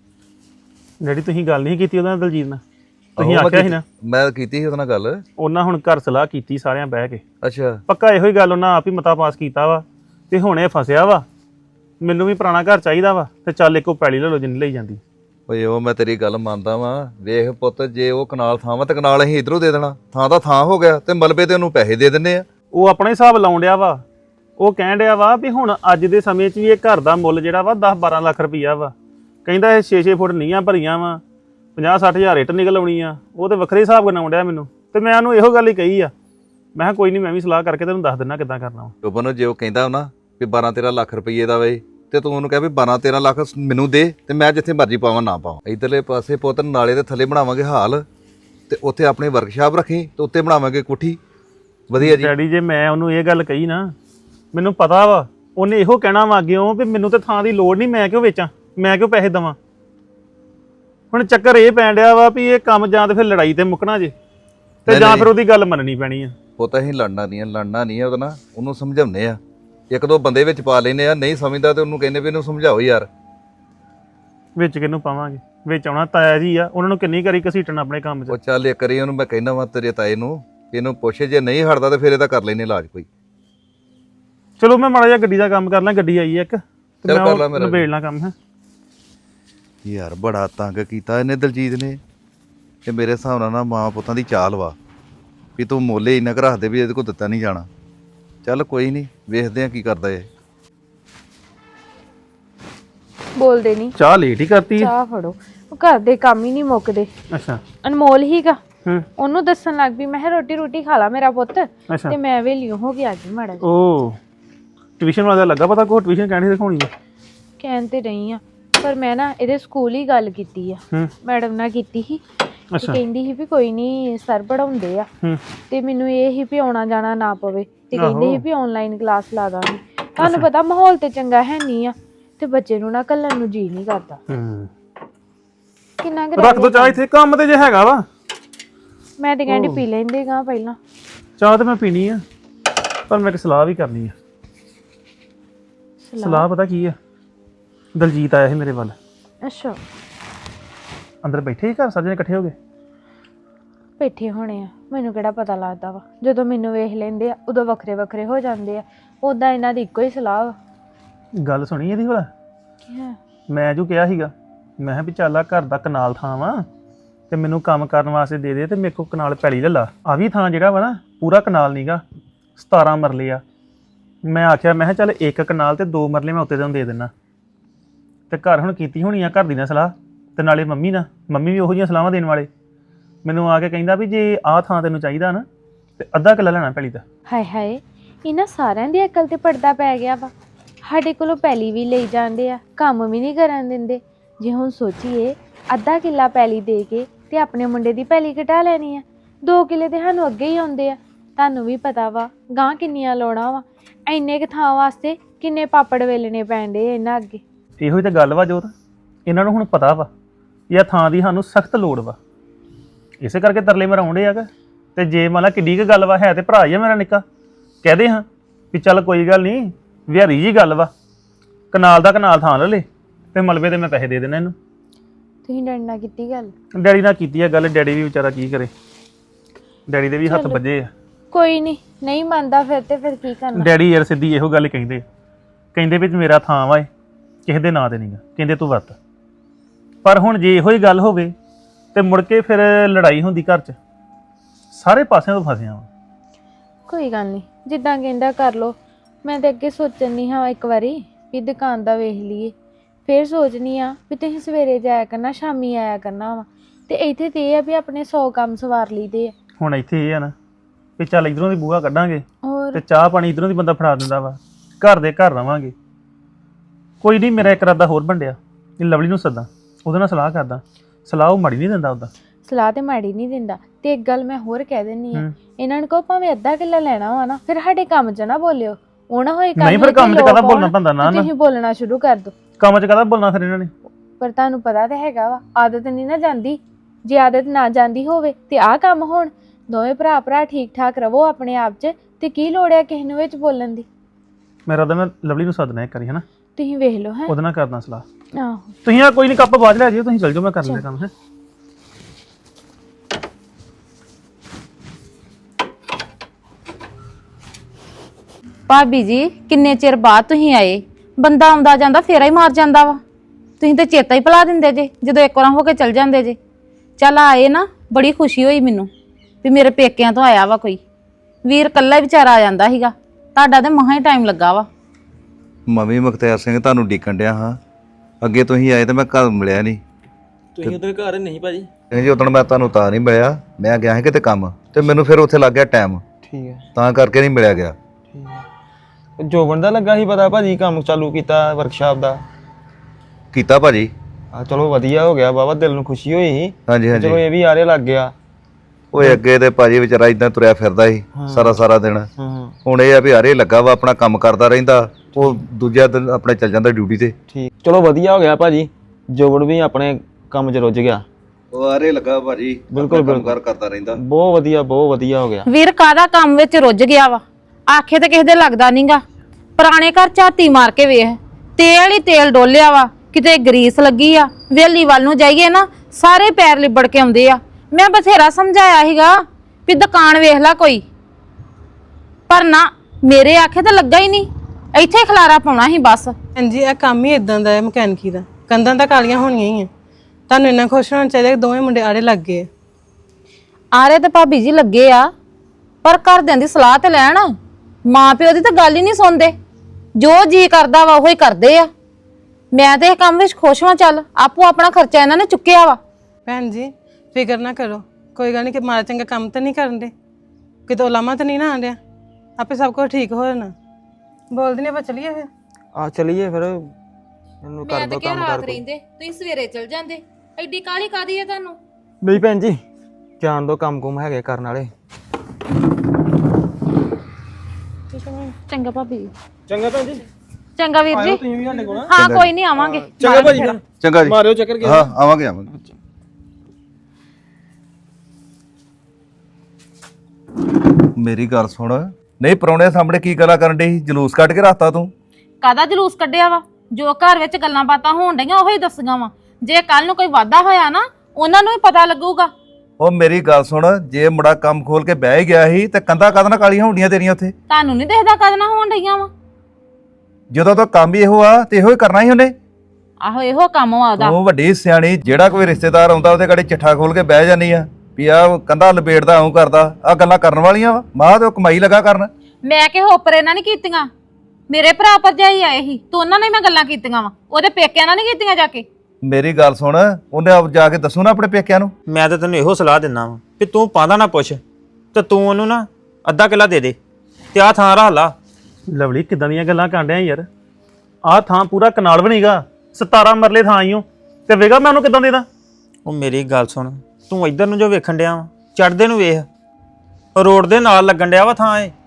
Speaker 4: ਡੈਡੀ ਤੁਸੀਂ ਗੱਲ ਨਹੀਂ ਕੀਤੀ ਉਹਦੇ ਨਾਲ ਦਲਜੀਤ ਨਾਲ? ਤੁਸੀਂ
Speaker 5: ਆਹੋ, ਮੈਂ
Speaker 4: ਆਖਿਆ ਸੀ
Speaker 5: ਕੀਤੀ-
Speaker 4: ਨਾ
Speaker 5: ਮੈਂ ਕੀਤੀ ਸੀ ਉਹਦੇ ਨਾਲ ਗੱਲ।
Speaker 4: ਉਹਨਾਂ ਹੁਣ ਘਰ ਸਲਾਹ ਕੀਤੀ ਸਾਰਿਆਂ ਬਹਿ ਕੇ,
Speaker 5: ਅੱਛਾ
Speaker 4: ਪੱਕਾ ਇਹੋ ਹੀ ਗੱਲ ਉਹਨਾਂ ਆਪ ਹੀ ਮਤਾ ਪਾਸ ਕੀਤਾ ਵਾ ਤੇ ਹੁਣ ਇਹ ਫਸਿਆ ਵਾ। ਮੈਨੂੰ ਵੀ ਪੁਰਾਣਾ ਘਰ ਚਾਹੀਦਾ ਵਾ ਤੇ ਚੱਲ ਇੱਕੋ ਪੈਲੀ ਲੈ ਲਓ ਜਿੰਨੀ ਲਈ ਜਾਂਦੀ।
Speaker 5: ਓਏ ਉਹ ਮੈਂ ਤੇਰੀ ਗੱਲ ਮੰਨਦਾ ਵਾਂ, ਵੇਖ ਪੁੱਤ, ਜੇ ਉਹ ਕਨਾਲ ਥਾਂ ਵਾ ਤੇ ਕਨਾਲ ਅਸੀਂ ਇਧਰੋਂ ਦੇ ਦੇਣਾ, ਥਾਂ ਦਾ ਥਾਂ ਹੋ ਗਿਆ ਤੇ ਮਲਬੇ ਤੇ ਉਹਨੂੰ ਪੈਸੇ ਦੇ ਦਿੰਨੇ ਆ।
Speaker 4: ਉਹ ਆਪਣੇ ਹਿਸਾਬ ਲਾਉਣ ਡਿਆ ਵਾ, ਉਹ ਕਹਿਣ ਡਿਆ ਵਾ ਵੀ ਹੁਣ ਅੱਜ ਦੇ ਸਮੇਂ 'ਚ ਵੀ ਇਹ ਘਰ ਦਾ ਮੁੱਲ ਜਿਹੜਾ ਵਾ ਦਸ ਬਾਰਾਂ ਲੱਖ ਰੁਪਈਆ ਵਾ। ਕਹਿੰਦਾ ਇਹ ਛੇ ਛੇ ਫੁੱਟ ਨੀਆਂ ਭਰੀਆਂ ਵਾ, ਪੰਜਾਹ ਸੱਠ ਹਜ਼ਾਰ ਇੱਟ ਨਿਕਲ ਆਉਣੀ ਆ। ਉਹ ਤੇ ਵੱਖਰੇ ਹਿਸਾਬ ਬਣਾਉਣ ਡਿਆ ਮੈਨੂੰ, ਤੇ ਮੈਂ ਉਹਨੂੰ ਇਹੋ ਗੱਲ ਹੀ ਕਹੀ ਆ। ਮੈਂ ਕਿਹਾ ਕੋਈ ਨਹੀਂ, ਮੈਂ ਵੀ ਸਲਾਹ ਕਰਕੇ ਤੈਨੂੰ ਦੱਸ ਦਿੰਦਾ ਕਿੱਦਾਂ ਕਰਨਾ ਵਾ।
Speaker 5: ਜੋਬਨ ਜੇ ਉਹ ਕਹਿੰਦਾ ਨਾ ਵੀ ਬਾਰਾਂ ਤੇਰਾਂ ਲੱਖ ਰੁਪਈਏ ਦਾ ਵੇ, ਤੇ ਤੂੰ ਉਹਨੂੰ ਕਹਿ ਵੀ ਬਾਰਾਂ ਤੇਰਾਂ ਲੱਖ ਮੈਨੂੰ ਦੇ ਤੇ ਮੈਂ ਜਿੱਥੇ ਮਰਜ਼ੀ ਪਾਵਾਂ ਨਾ ਪਾਵਾਂ। ਇਧਰਲੇ ਪਾਸੇ ਪੁੱਤ ਨਾਲੇ ਦੇ ਥੱਲੇ ਬਣਾਵਾਂਗੇ ਹਾਲ, ਤੇ ਉੱਥੇ ਆਪਣੀ ਵਰਕਸ਼ਾਪ ਰੱਖੀ ਤੇ ਉੱਤੇ ਬਣਾਵਾਂਗੇ ਕੋਠੀ। ਵਧੀਆ ਜੀ
Speaker 4: ਡੈਡੀ ਜੇ ਮੈਂ ਉਹਨੂੰ ਇਹ ਗੱਲ ਕਹੀ ਨਾ, ਮੈਨੂੰ ਪਤਾ ਵਾ ਉਹਨੇ ਇਹੋ ਕਹਿਣਾ ਵਾ ਅੱਗਿਓਂ ਵੀ ਮੈਨੂੰ ਤੇ ਥਾਂ ਦੀ ਲੋੜ ਨਹੀਂ, ਮੈਂ ਕਿਉਂ ਵੇਚਾਂ, ਮੈਂ ਕਿਉਂ ਪੈਸੇ ਦੇਵਾਂ। ਹੁਣ ਚੱਕਰ ਇਹ ਪੈਣ ਡਿਆ ਵਾ ਵੀ ਇਹ ਕੰਮ ਜਾਂ ਤੇ ਫਿਰ ਲੜਾਈ ਤੇ ਮੁੱਕਣਾ ਜੇ, ਤੇ
Speaker 5: ਨਹੀਂ,
Speaker 4: ਜਾਂ
Speaker 5: ਨਹੀਂ।
Speaker 4: ਫਿਰ ਉਹਦੀ ਗੱਲ ਮੰਨਣੀ ਪੈਣੀ ਆ।
Speaker 5: ਪੁੱਤ ਅਸੀਂ ਲੜਨਾ ਨਹੀਂ ਆ, ਲੜਨਾ ਨਹੀਂ ਆ ਉਹਦੇ ਨਾਲ, ਉਹਨੂੰ ਸਮਝਾਉਂਦੇ ਆ। ਇੱਕ ਦੋ ਬੰਦੇ ਵਿੱਚ ਪਾ ਲੈਨੇ ਆ, ਨਹੀਂ ਸਮਝਦਾ ਤੇ ਉਹਨੂੰ ਕਹਿੰਦੇ ਵੀ ਇਹਨੂੰ ਸਮਝਾਓ ਯਾਰ।
Speaker 4: ਵਿੱਚ ਕਿਹਨੂੰ ਪਾਵਾਂਗੇ? ਵਿੱਚ ਆਉਣਾ ਤਾਇਆ ਜੀ ਆ, ਉਹਨਾਂ ਨੂੰ ਕਿੰਨੀ ਕਰੀ ਘਸੀਟਣ ਆਪਣੇ ਕੰਮ 'ਚ।
Speaker 5: ਉਹ ਚੱਲ ਇੱਕ ਵਾਰੀ ਉਹਨੂੰ ਮੈਂ ਕਹਿੰਦਾ ਵਾ ਤੇਰੇ ਤਾਏ ਨੂੰ, ਇਹਨੂੰ ਪੁੱਛੇ, ਜੇ ਨਹੀਂ ਹਟਦਾ ਤੇ ਫਿਰ ਇਹਦਾ ਕਰ ਲੈਨੇ ਇਲਾਜ ਕੋਈ।
Speaker 4: ਚਲੋ ਮੈਂ ਮਾੜਾ ਜਿਹਾ ਗੱਡੀ ਦਾ ਕੰਮ ਕਰ ਲਾਂ, ਗੱਡੀ ਆਈ ਆ ਇੱਕ, ਤੇ
Speaker 5: ਚੱਲ
Speaker 4: ਮੈਂ
Speaker 5: ਕਰ
Speaker 4: ਉਹ
Speaker 5: ਲਾ ਮੇਰਾ ਵੀ।
Speaker 4: ਨਿਬੇੜਨਾ ਕੰਮ ਹੈ।
Speaker 5: ਯਾਰ ਬੜਾ ਤੰਗ ਕੀਤਾ ਇਹਨੇ ਦਲਜੀਤ ਨੇ। ਤੇ ਮੇਰੇ ਹਿਸਾਬ ਨਾਲ ਨਾ ਮਾਂ ਪੁੱਤਾਂ ਦੀ ਚਾਲ ਵਾ ਵੀ ਤੂੰ ਮੋਲੇ ਇੰਨਾ ਕੁ ਰੱਖ ਦੇ ਵੀ ਇਹਦੇ ਕੋਲ ਦਿੱਤਾ ਨਹੀਂ ਜਾਣਾ। ਚੱਲ ਕੋਈ ਨਹੀਂ, ਵੇਖਦੇ ਆ ਕੀ ਕਰਦਾ ਇਹ।
Speaker 6: ਬੋਲਦੇ ਨਹੀਂ।
Speaker 4: ਚਾਹ ਲੇਟ ਹੀ ਕਰਤੀ ਹੈ।
Speaker 6: ਚਾਹ ਫੜੋ, ਉਹ ਘਰ ਦੇ ਕੰਮ ਹੀ ਨਹੀਂ ਮੁੱਕਦੇ।
Speaker 4: ਅੱਛਾ।
Speaker 6: ਅਨਮੋਲ ਹੀਗਾ,
Speaker 4: ਹੂੰ।
Speaker 6: ਉਹਨੂੰ ਦੱਸਣ ਲੱਗ ਵੀ ਮੈਂ ਕਿਹਾ ਰੋਟੀ ਰੋਟੀ ਖਾ ਲਾ ਮੇਰਾ ਪੁੱਤ,
Speaker 4: ਅੱਛਾ।
Speaker 6: ਤੇ ਮੈਂ ਵੇਲੀ ਹੋ ਗਿਆ ਜੀ ਮਾੜਾ ਜਿਹਾ।
Speaker 4: ਉਹ ਟਿਊਸ਼ਨ ਵਾਲਾ ਲੱਗਾ ਪਤਾ, ਕੋ ਟਿਊਸ਼ਨ ਕਹਿਣੀ ਦਿਖਾਉਣੀ ਹੈ।
Speaker 6: ਕਹਿਣ ਤੇ ਰਹੀ ਆ, ਪਰ ਮੈਂ ਨਾ ਇਹਦੇ ਸਕੂਲ ਹੀ ਗੱਲ ਕੀਤੀ ਆ,
Speaker 4: ਹੂੰ।
Speaker 6: ਮੈਡਮ ਨਾਲ ਕੀਤੀ ਸੀ। ਤੇ
Speaker 4: ਅੱਛਾ।
Speaker 6: ਕਹਿੰਦੀ ਸੀ ਵੀ ਕੋਈ ਨਹੀਂ ਸਰ ਪੜਾਉਂਦੇ ਆ,
Speaker 4: ਹੂੰ।
Speaker 6: ਤੇ ਮੈਨੂੰ ਇਹ ਹੀ ਵੀ ਆਉਣਾ ਜਾਣਾ ਨਾ ਪਵੇ, ਤੇ ਕਹਿੰਦੇ
Speaker 4: ਆਹੋ।
Speaker 6: ਸੀ ਵੀ ਆਨਲਾਈਨ ਕਲਾਸ ਲਾ ਦਾਂਗੇ। ਤੁਹਾਨੂੰ ਪਤਾ ਮਾਹੌਲ ਤੇ ਚੰਗਾ ਹੈ ਨਹੀਂ ਆ, ਤੇ ਬੱਚੇ ਨੂੰ ਨਾ ਕੱਲਣ ਨੂੰ ਜੀ ਨਹੀਂ ਕਰਦਾ।
Speaker 4: ਹੂੰ।
Speaker 6: ਕਿੰਨਾ ਕੁ
Speaker 4: ਰੱਖ ਦੋ ਚਾਹ ਇੱਥੇ, ਕੰਮ ਤੇ ਜੇ ਹੈਗਾ ਵਾ।
Speaker 6: ਮੈਂ ਤੇ ਕਹਿੰਦੀ ਪੀ ਲੈਂਦੇਗਾ ਪਹਿਲਾਂ।
Speaker 4: ਚਾਹ ਤੇ ਮੈਂ ਪੀਣੀ ਆ, ਪਰ ਮੈਂ ਇੱਕ ਸਲਾਹ ਵੀ ਕਰਨੀ ਆ। ਸਲਾਹ ਪਤਾ ਕੀ ਆ? ਦਲਜੀਤ ਆਇਆ ਸੀ ਮੇਰੇ ਵੱਲ,
Speaker 6: ਅੱਛਾ।
Speaker 4: ਅੰਦਰ ਬੈਠੇ ਹੀ ਘਰ ਸਾਰੇ ਜਣੇ ਇਕੱਠੇ ਹੋ ਗਏ।
Speaker 6: ਬੈਠੇ ਹੋਣੇ ਆ, ਮੈਨੂੰ ਕਿਹੜਾ ਪਤਾ ਲੱਗਦਾ ਵਾ। ਜਦੋਂ ਮੈਨੂੰ ਵੇਖ ਲੈਂਦੇ ਆ ਉਦੋਂ ਵੱਖਰੇ ਵੱਖਰੇ ਹੋ ਜਾਂਦੇ ਆ, ਉਦਾਂ ਇਹਨਾਂ ਦੀ ਇੱਕੋ ਹੀ ਸਲਾਹ ਵਾ।
Speaker 4: ਗੱਲ ਸੁਣੀ ਇਹਦੀ ਭਲਾ?
Speaker 6: ਕੀ ਹੈ?
Speaker 4: ਮੈਂ ਜੋ ਕਿਹਾ ਸੀਗਾ, ਮੈਂ ਕਿਹਾ ਵੀ ਚੱਲ ਆ ਘਰ ਦਾ ਕਨਾਲ ਥਾਂ ਵਾ ਤੇ ਮੈਨੂੰ ਕੰਮ ਕਰਨ ਵਾਸਤੇ ਦੇ ਦੇ, ਤੇ ਮੇਰੇ ਕੋਲ ਕਨਾਲ ਪੈਲੀ ਲੈ ਲਾ। ਆ ਵੀ ਥਾਂ ਜਿਹੜਾ ਵਾ ਨਾ ਪੂਰਾ ਕਨਾਲ ਨੀਗਾ, ਸਤਾਰਾਂ ਮਰਲੇ ਆ। ਮੈਂ ਆਖਿਆ ਮੈਂ ਕਿਹਾ ਚੱਲ ਇੱਕ ਕਨਾਲ ਤੇ ਦੋ ਮਰਲੇ ਮੈਂ ਉੱਤੇ ਤੋਂ ਦੇ ਦਿੰਦਾ। ਤੇ ਘਰ ਹੁਣ ਕੀਤੀ ਹੋਣੀ ਆ ਘਰ ਦੀ ਨਾਲ ਸਲਾਹ, ਤੇ ਨਾਲੇ ਮੰਮੀ ਨਾਲ, ਮੰਮੀ ਵੀ ਉਹੋ ਜਿਹੀਆਂ ਸਲਾਹਾਂ ਦੇਣ ਵਾਲੇ। ਮੈਨੂੰ ਆ ਕੇ ਕਹਿੰਦਾ ਵੀ ਜੇ ਆਹ ਥਾਂ ਤੈਨੂੰ ਚਾਹੀਦਾ ਨਾ ਤੇ ਅੱਧਾ ਕਿੱਲਾ ਲੈਣਾ ਪੈਲੀ ਦਾ।
Speaker 6: ਹਾਏ ਹਾਏ, ਇਹਨਾਂ ਸਾਰਿਆਂ ਦੀ ਅਕਲ ਤੇ ਪਰਦਾ ਪੈ ਗਿਆ ਵਾ। ਸਾਡੇ ਕੋਲੋਂ ਪੈਲੀ ਵੀ ਲਈ ਜਾਂਦੇ ਆ, ਕੰਮ ਵੀ ਨਹੀਂ ਕਰਨ ਦਿੰਦੇ। ਜੇ ਹੁਣ ਸੋਚੀਏ ਅੱਧਾ ਕਿੱਲਾ ਪੈਲੀ ਦੇ ਕੇ ਤੇ ਆਪਣੇ ਮੁੰਡੇ ਦੀ ਪੈਲੀ ਘਟਾ ਲੈਣੀ ਆ, ਦੋ ਕਿੱਲੇ ਤੇ ਸਾਨੂੰ ਅੱਗੇ ਹੀ ਆਉਂਦੇ ਆ। ਤੁਹਾਨੂੰ ਵੀ ਪਤਾ ਵਾ ਗਾਂ ਕਿੰਨੀਆਂ ਲੋੜਾਂ ਵਾ, ਇੰਨੇ ਕੁ ਥਾਂ ਵਾਸਤੇ ਕਿੰਨੇ ਪਾਪੜ ਵੇਲਣੇ ਪੈਂਦੇ ਇਹਨਾਂ ਅੱਗੇ।
Speaker 4: ਇਹੋ ਹੀ ਤਾਂ ਗੱਲ ਵਾ ਜੋਤ, ਇਹਨਾਂ ਨੂੰ ਹੁਣ ਪਤਾ ਵਾ ਇਹ ਥਾਂ ਦੀ ਸਾਨੂੰ ਸਖਤ ਲੋੜ ਵਾ, ਇਸੇ ਕਰਕੇ ਤਰਲੇ ਮਰਾਉਂਦੇ ਆ। ਤੇ ਜੇ ਮੰਨ ਲਾ ਕਿੱਡੀ ਕੁ ਗੱਲ ਵਾ, ਹੈ ਤੇ ਭਰਾ ਹੀ ਆ ਮੇਰਾ ਨਿੱਕਾ, ਕਹਦੇ ਹਾਂ ਵੀ ਚੱਲ ਕੋਈ ਗੱਲ ਨਹੀਂ, ਵਿਹਾਰੀ ਜੀ ਗੱਲ ਵਾ, ਕਨਾਲ ਦਾ ਕਨਾਲ ਥਾਂ ਲੈ ਲੇ ਤੇ ਮਲਬੇ ਤੇ ਮੈਂ ਪੈਸੇ ਦੇ ਦੇਣਾ ਇਹਨੂੰ।
Speaker 6: ਤੁਸੀਂ ਡੈਡੀ ਨਾਲ ਕੀਤੀ ਗੱਲ?
Speaker 4: ਡੈਡੀ ਨਾਲ ਕੀਤੀ ਆ ਗੱਲ, ਡੈਡੀ ਵੀ ਵਿਚਾਰਾ ਕੀ ਕਰੇ, ਡੈਡੀ ਦੇ ਵੀ ਹੱਥ ਵੱਜੇ ਆ।
Speaker 6: ਕੋਈ ਨਹੀਂ, ਨਹੀਂ ਮੰਨਦਾ ਫਿਰ ਤੇ ਫਿਰ ਕੀ ਕਰਨਾ।
Speaker 4: ਡੈਡੀ ਯਾਰ ਸਿੱਧੀ ਇਹੋ ਗੱਲ ਕਹਿੰਦੇ, ਕਹਿੰਦੇ ਵੀ ਮੇਰਾ ਥਾਂ ਵਾ ਇਹ, ਕਿਸੇ ਦੇ ਨਾਂ ਤੇ ਨਹੀਂਗਾ, ਕਹਿੰਦੇ ਤੂੰ ਵਰਤ। ਪਰ ਹੁਣ ਜੇ ਇਹੋ ਹੀ ਗੱਲ ਹੋਵੇ ਤੇ ਮੁੜ ਕੇ ਫਿਰ ਲੜਾਈ ਹੁੰਦੀ ਘਰ 'ਚ, ਸਾਰੇ ਪਾਸਿਆਂ ਤੋਂ ਫਸਿਆ ਵਾ।
Speaker 6: ਕੋਈ ਗੱਲ ਨਹੀਂ, ਜਿੱਦਾਂ ਕਹਿੰਦਾ ਕਰ ਲੋ। ਮੈਂ ਤਾਂ ਅੱਗੇ ਸੋਚਣ ਨਹੀਂ ਹਾਂ ਇੱਕ ਵਾਰੀ ਵੀ ਦੁਕਾਨ ਦਾ ਵੇਖ ਲਈਏ, ਫਿਰ ਸੋਚਣੀ ਆ ਵੀ ਤੁਸੀਂ ਸਵੇਰੇ ਜਾਇਆ ਕਰਨਾ, ਸ਼ਾਮੀ ਆਇਆ ਕਰਨਾ ਵਾ। ਤੇ ਇੱਥੇ ਤੇ ਇਹ ਆ ਵੀ ਆਪਣੇ ਸੌ ਕੰਮ ਸਵਾਰ ਲਈਦੇ ਆ।
Speaker 4: ਹੁਣ ਇੱਥੇ ਇਹ ਆ ਨਾ ਵੀ ਚੱਲ ਇਧਰੋਂ ਦੀ ਬੂਹਾ ਕੱਢਾਂਗੇ
Speaker 6: ਹੋਰ
Speaker 4: ਤੇ ਚਾਹ ਪਾਣੀ ਇਧਰੋਂ ਦੀ ਬੰਦਾ ਫੜਾ ਦਿੰਦਾ ਵਾ, ਘਰ ਦੇ ਘਰ ਰਵਾਂਗੇ। ਕੋਈ ਨਹੀਂ, ਮੇਰਾ ਇੱਕ ਇਰਾਦਾ ਹੋਰ ਬਣਿਆ, ਇਹ ਲਵਲੀ ਨੂੰ ਸੱਦਾਂ, ਉਹਦੇ ਨਾਲ ਸਲਾਹ ਕਰਦਾ। ਸਲਾਹ ਉਹ ਮਾੜੀ ਨਹੀਂ ਦਿੰਦਾ ਉਹਦਾ।
Speaker 6: ਸਲਾਹ ਤੇ ਮਾੜੀ ਨਹੀਂ ਦਿੰਦਾ। ਤੇ ਇੱਕ ਗੱਲ ਮੈਂ ਹੋਰ ਕਹਿ ਦਿੰਨੀ ਆ, ਇਹਨਾਂ ਨੂੰ ਕਹੋ ਭਾਵੇਂ ਅੱਧਾ ਕਿੱਲਾ ਲੈਣਾ ਵਾ ਨਾ, ਫਿਰ ਸਾਡੇ ਕੰਮ 'ਚ ਨਾ ਬੋਲਿਓ। ਉਹ ਨਾ ਹੋਏ
Speaker 4: ਨਹੀਂ, ਫਿਰ ਕੰਮ 'ਚ ਕਾਹਦਾ ਬੋਲਣਾ ਪੈਂਦਾ? ਨਾ ਨਾ,
Speaker 6: ਤੁਸੀਂ ਬੋਲਣਾ ਸ਼ੁਰੂ ਕਰ ਦੋ।
Speaker 4: ਕੰਮ 'ਚ ਕਾਹਦਾ ਬੋਲਣਾ ਫਿਰ ਇਹਨਾਂ ਨੇ?
Speaker 6: ਪਰ ਤੁਹਾਨੂੰ ਪਤਾ ਤਾਂ ਹੈਗਾ ਵਾ, ਆਦਤ ਨਹੀਂ ਨਾ ਜਾਂਦੀ। ਜੇ ਆਦਤ ਨਾ ਜਾਂਦੀ ਹੋਵੇ ਤੇ ਆਹ ਕੰਮ ਹੋਣ। ਦੋਵੇਂ ਭਰਾ ਭਰਾ ਠੀਕ ਠਾਕ ਰਵੋ ਆਪਣੇ ਆਪ 'ਚ, ਤੇ ਕੀ ਲੋੜ ਹੈ ਕਿਸੇ ਨੂੰ ਵਿੱਚ ਬੋਲਣ ਦੀ।
Speaker 4: ਮੇਰਾ ਤਾਂ ਮੈਂ ਲਵਲੀ ਨੂੰ ਸੱਦਣਾ ਇੱਕ ਵਾਰੀ, ਹਨਾ,
Speaker 6: ਤੁਸੀਂ ਵੇਖ ਲਓ। ਹੈ
Speaker 4: ਉਹਦੇ ਨਾਲ ਕਰਦਾ ਸਲਾਹ।
Speaker 6: ਆਹੋ,
Speaker 4: ਤੁਸੀਂ ਆ ਕੋਈ ਨਹੀਂ, ਕੱਪ ਬਾਅਦ ਲੈ ਜਿਓ, ਤੁਸੀਂ ਚੱਲ ਜਾਓ, ਮੈਂ ਕਰ ਲਿਆ ਕੰਮ। ਹੈ
Speaker 2: ਭਾਬੀ ਜੀ, ਕਿੰਨੇ ਚਿਰ ਬਾਅਦ ਤੁਸੀਂ ਆਏ। ਬੰਦਾ ਆਉਂਦਾ ਜਾਂਦਾ ਫੇਰਾ ਹੀ ਮਾਰ ਜਾਂਦਾ ਵਾ, ਤੁਸੀਂ ਤੇ ਚੇਤਾ ਹੀ ਭੁਲਾ ਦਿੰਦੇ ਜੇ ਜਦੋਂ ਇੱਕ ਵਾਰ ਹੋ ਕੇ ਚਲ ਜਾਂਦੇ ਜੇ। ਚੱਲ ਆਏ ਨਾ, ਬੜੀ ਖੁਸ਼ੀ ਹੋਈ ਮੈਨੂੰ ਵੀ ਮੇਰੇ ਪੇਕਿਆਂ ਤੋਂ ਆਇਆ ਵਾ ਕੋਈ ਵੀਰ। ਕੱਲਾ ਹੀ ਵਿਚਾਰਾ ਆ ਜਾਂਦਾ ਸੀਗਾ, ਤੁਹਾਡਾ ਤੇ ਮਹਾ ਹੀ ਟਾਈਮ ਲੱਗਾ ਵਾ।
Speaker 5: ਮਮੀ ਮੁਖਤਿਆਰ ਸਿੰਘ ਤੁਹਾਨੂੰ ਡੀਕਣ ਡਿਆ ਹਾਂ। ਅੱਗੇ ਤੁਸੀਂ ਆਏ ਤੇ ਮੈਂ ਘਰ ਮਿਲਿਆ ਨਹੀਂ।
Speaker 7: ਤੁਸੀਂ ਉਧਰ ਘਰ ਨਹੀਂ ਭਾਜੀ?
Speaker 5: ਨਹੀਂ ਜੀ, ਉਦੋਂ ਮੈਂ ਤੁਹਾਨੂੰ ਤਾਂ ਨਹੀਂ ਮਿਲਿਆ, ਮੈਂ ਗਿਆ ਸੀ ਕਿਤੇ ਕੰਮ, ਤੇ ਮੈਨੂੰ ਫਿਰ ਉੱਥੇ ਲੱਗ ਗਿਆ ਟਾਈਮ,
Speaker 7: ਠੀਕ ਹੈ,
Speaker 5: ਤਾਂ ਕਰਕੇ ਨਹੀਂ ਮਿਲਿਆ ਗਿਆ।
Speaker 7: ਠੀਕ ਹੈ। ਜੋਬਨ ਦਾ ਲੱਗਾ ਸੀ ਪਤਾ ਭਾਜੀ, ਕੰਮ ਚਾਲੂ ਕੀਤਾ ਵਰਕਸ਼ਾਪ ਦਾ?
Speaker 5: ਕੀਤਾ ਭਾਜੀ।
Speaker 7: ਆ ਚਲੋ ਵਧੀਆ ਹੋ ਗਿਆ, ਬਾਬਾ ਦਿਲ ਨੂੰ ਖੁਸ਼ੀ ਹੋਈ ਸੀ।
Speaker 5: ਹਾਂਜੀ ਹਾਂਜੀ।
Speaker 7: ਚਲੋ ਇਹ ਵੀ ਆਰੇ ਲੱਗ ਗਿਆ।
Speaker 5: ਓਏ ਅੱਗੇ ਤੇ ਭਾਜੀ ਵਿਚਾਰਾ ਇਦਾਂ ਤੁਰਿਆ ਫਿਰਦਾ ਸੀ ਸਾਰਾ ਸਾਰਾ ਦਿਨ।
Speaker 7: ਹਾਂ
Speaker 5: ਹੁਣ ਇਹ ਆ ਵੀ ਆਰੇ ਲੱਗਾ ਵਾ, ਆਪਣਾ ਕੰਮ ਕਰਦਾ ਰਹਿੰਦਾ, ਉਹ ਦੂਜਾ ਦਿਨ ਆਪਣੇ ਚੱਲ ਜਾਂਦਾ ਡਿਊਟੀ ਤੇ।
Speaker 7: ਠੀਕ, ਚਲੋ ਵਧੀਆ ਹੋ ਗਿਆ ਭਾਜੀ, ਜੋਬਨ ਵੀ ਆਪਣੇ ਕੰਮ 'ਚ ਰੁੱਝ ਗਿਆ।
Speaker 5: ਉਹ ਆਰੇ ਲੱਗਾ ਭਾਜੀ,
Speaker 7: ਬਿਲਕੁਲ ਬਿਲਕੁਲ
Speaker 5: ਕਰਦਾ ਰਹਿੰਦਾ।
Speaker 7: ਬਹੁਤ ਵਧੀਆ, ਬਹੁਤ ਵਧੀਆ ਹੋ ਗਿਆ।
Speaker 2: ਵੀਰ ਕਾਹਦਾ ਕੰਮ ਵਿੱਚ ਰੁੱਝ ਗਿਆ ਵਾ, ਆਖੇ ਤੇ ਕਿਸੇ ਦੇ ਲੱਗਦਾ ਨਹੀਂਗਾ। ਪੁਰਾਣੇ ਘਰ ਝਾਤੀ ਮਾਰ ਕੇ ਵੇਖ, ਤੇਲ ਹੀ ਤੇਲ ਡੋਲਿਆ ਵਾ, ਕਿਤੇ ਗਰੀਸ ਲੱਗੀ ਆ। ਵੇਲੀ ਵੱਲ ਨੂੰ ਜਾਈਏ ਨਾ, ਸਾਰੇ ਪੈਰ ਲਿਬੜ ਕੇ ਆਉਂਦੇ ਆ। ਮੈਂ ਬਥੇਰਾ ਸਮਝਾਇਆ ਸੀਗਾ ਵੀ ਦੁਕਾਨ ਵੇਖ ਲੈ ਕੋਈ, ਪਰ ਨਾ, ਮੇਰੇ ਆਖੇ ਤਾਂ ਲੱਗਾ ਹੀ ਨਹੀਂ। ਇੱਥੇ ਖਲਾਰਾ ਪਾਉਣਾ ਸੀ ਬਸ।
Speaker 8: ਹਾਂਜੀ, ਇਹ ਕੰਮ ਹੀ ਇਦਾਂ ਦਾ ਹੈ ਮਕੈਨਿਕੀ ਦਾ, ਕੰਧਾਂ ਤਾਂ ਕਾਲੀਆਂ ਹੋਣੀਆਂ ਹੀ ਆ। ਤੁਹਾਨੂੰ ਇੰਨਾ ਖੁਸ਼ ਹੋਣਾ ਚਾਹੀਦਾ ਕਿ ਦੋਵੇਂ ਮੁੰਡੇ ਆੜੇ ਲੱਗ ਗਏ।
Speaker 2: ਆਰੇ ਤੇ ਭਾਬੀ ਜੀ ਲੱਗੇ ਆ, ਪਰ ਘਰਦਿਆਂ ਦੀ ਸਲਾਹ ਤੇ ਲੈਣ। ਮਾਂ ਪਿਓ ਦੀ ਤਾਂ ਗੱਲ ਹੀ ਨਹੀਂ ਸੁਣਦੇ, ਜੋ ਜੀ ਕਰਦਾ ਵਾ ਉਹੀ ਕਰਦੇ ਆ। ਮੈਂ ਤੇ ਇਹ ਕੰਮ ਵਿੱਚ ਖੁਸ਼ ਹਾਂ। ਚੱਲ ਆਪੋ ਆਪਣਾ ਖਰਚਾ ਇਹਨਾਂ ਨੇ ਚੁੱਕਿਆ ਵਾ।
Speaker 8: ਭੈਣ ਜੀ ਫਿਕਰ ਨਾ ਕਰੋ, ਕੋਈ ਗੱਲ ਨਹੀਂ ਕਿ ਮਾੜਾ ਚੰਗਾ ਕੰਮ ਤਾਂ ਨਹੀਂ ਕਰਨ ਦੇ, ਕਿਤੇ ਉਲਾਮਾ ਤਾਂ ਨਹੀਂ ਨਾ ਆਂਦਿਆ, ਆਪੇ ਸਭ ਕੁਝ ਠੀਕ ਹੋ ਜਾਣਾ। ਬੋਲਦੇ ਨੇ ਆਪਾਂ ਚਲੀਏ ਫਿਰ?
Speaker 7: ਆ ਚਲੀਏ ਫਿਰ, ਇਹਨੂੰ ਕਰ ਦੋ ਕੰਮ ਕਰ।
Speaker 2: ਰਹਿੰਦੇ ਤੁਸੀਂ ਸਵੇਰੇ ਚਲ ਜਾਂਦੇ, ਐਡੀ ਕਾਹਲੀ ਕਾਦੀ ਹੈ ਤੁਹਾਨੂੰ?
Speaker 7: ਨਹੀਂ ਭੈਣ ਜੀ, ਜਾਣ ਦੋ, ਕੰਮ ਕੁਮ ਹੈਗੇ ਕਰਨ ਵਾਲੇ।
Speaker 2: ਚੰਗਾ ਭਾਬੀ ਜੀ।
Speaker 7: ਚੰਗਾ ਭੈਣ ਜੀ।
Speaker 2: ਚੰਗਾ ਵੀਰ ਜੀ।
Speaker 7: ਤੁਸੀਂ ਵੀ ਸਾਡੇ ਕੋਲ?
Speaker 2: ਹਾਂ ਕੋਈ ਨਹੀਂ, ਆਵਾਂਗੇ।
Speaker 7: ਚੰਗਾ ਭਾਜੀ,
Speaker 5: ਚੰਗਾ ਜੀ,
Speaker 7: ਮਾਰਿਓ ਚੱਕਰ।
Speaker 5: ਹਾਂ ਆਵਾਂਗੇ ਆਵਾਂਗੇ। ਮੇਰੀ ਗੱਲ ਸੁਣ, ਨਹੀਂ ਪਰੌਣੇ ਸਾਹਮਣੇ ਕੀ ਗੱਲਾਂ ਕਰਨ ਡਈ? ਜਲੂਸ ਕੱਢ ਕੇ ਰੱਖਤਾ ਤੂੰ।
Speaker 2: ਕਾਹਦਾ ਜਲੂਸ ਕੱਢਿਆ ਵਾ? ਜੋ ਘਰ ਵਿੱਚ ਗੱਲਾਂ ਬਾਤਾਂ ਹੋਣ ਡਈਆਂ ਉਹੀ ਦੱਸੀਆਂ ਵਾ। ਜੇ ਕੱਲ ਨੂੰ ਕੋਈ ਵਾਧਾ ਹੋਇਆ ਨਾ, ਉਹਨਾਂ ਨੂੰ ਵੀ ਪਤਾ ਲੱਗੂਗਾ।
Speaker 5: ਉਹ ਮੇਰੀ ਗੱਲ ਸੁਣ, ਜੇ ਮੁੰਡਾ ਕੰਮ ਖੋਲ ਕੇ ਬਹਿ ਗਿਆ ਸੀ ਤੇ ਕੰਧਾਂ ਕਦ ਨਾਲ ਕਾਲੀਆਂ ਹੋਣੀਆਂ ਤੇਰੀਆਂ ਉੱਥੇ?
Speaker 2: ਤੁਹਾਨੂੰ ਨਹੀਂ ਦਿਖਦਾ ਕਦ ਨਾ ਹੋਣ ਡਈਆਂ ਵਾ?
Speaker 5: ਜਦੋਂ ਤਾਂ ਕੰਮ ਹੀ ਇਹੋ ਆ ਤੇ ਇਹੋ ਹੀ ਕਰਨਾ ਹੀ ਉਹਨੇ।
Speaker 2: ਆਹੋ ਇਹੋ ਕੰਮ ਵਾ ਉਹਦਾ।
Speaker 5: ਉਹ ਵੱਡੀ ਸਿਆਣੀ, ਜਿਹੜਾ ਕੋਈ ਰਿਸ਼ਤੇਦਾਰ ਆਉਂਦਾ ਉਹਦੇ ਘੜੇ ਚਿੱਠਾ ਖੋਲ ਕੇ ਬਹਿ ਜਾਂਦੀ ਆ ਵੀ ਆ ਕੰਧਾ ਲਪੇੜਦਾ, ਆਉਂ ਕਰਦਾ। ਆ ਗੱਲਾਂ ਕਰਨ ਵਾਲੀਆਂ ਵਾ? ਮਾਂ ਤੇ ਉਹ ਕਮਾਈ ਲਗਾ ਕਰਨ।
Speaker 2: ਮੈਂ ਕਿ ਹੋਪਰ ਇਹਨਾਂ ਨੇ ਕੀਤੀਆਂ। ਮੇਰੇ ਭਰਾ ਭਰਜਾਈ ਆਏ ਸੀ ਤੂੰ ਉਹਨਾਂ ਨੇ ਮੈਂ ਗੱਲਾਂ ਕੀਤੀਆਂ ਵਾ, ਉਹਦੇ ਪੇਕਿਆਂ ਨਾਲ ਨਹੀਂ ਕੀਤੀਆਂ ਜਾ ਕੇ।
Speaker 5: ਮੇਰੀ ਗੱਲ ਸੁਣ, ਉਹਨੇ ਆਪ ਜਾ ਕੇ ਦੱਸੂ ਨਾ ਆਪਣੇ ਪੇਕਿਆਂ ਨੂੰ।
Speaker 7: ਮੈਂ ਤਾਂ ਤੈਨੂੰ ਇਹੋ ਸਲਾਹ ਦਿੰਦਾ ਵਾਂ ਵੀ ਤੂੰ ਪਾਉਂਦਾ ਨਾ ਪੁੱਛ, ਤੇ ਤੂੰ ਉਹਨੂੰ ਨਾ ਅੱਧਾ ਕਿੱਲਾ ਦੇ ਦੇ ਤੇ ਆਹ ਥਾਂ ਰੱਖ ਲਾ।
Speaker 1: ਲਵਲੀ ਕਿਦਾਂ ਦੀਆਂ ਗੱਲਾਂ ਕਰਨ ਡਿਆ ਯਾਰ, ਆਹ ਥਾਂ ਪੂਰਾ ਕਨਾਲ ਬਣੇਗਾ, ਸਤਾਰਾਂ ਮਰਲੇ ਥਾਂ ਆਈਓ ਤੇ ਵੇਗਾ ਮੈਂ ਉਹਨੂੰ ਕਿਦਾਂ ਦੇਦਾ।
Speaker 7: ਉਹ ਮੇਰੀ ਗੱਲ ਸੁਣ, ਤੂੰ ਇੱਧਰ ਨੂੰ ਜੋ ਵੇਖਣ ਡਿਆ ਵਾ ਚੜਦੇ ਨੂੰ ਵੇਖ, ਰੋਡ ਦੇ ਨਾਲ ਲੱਗਣ ਡਿਆ ਵਾ ਥਾਂ ਇਹ।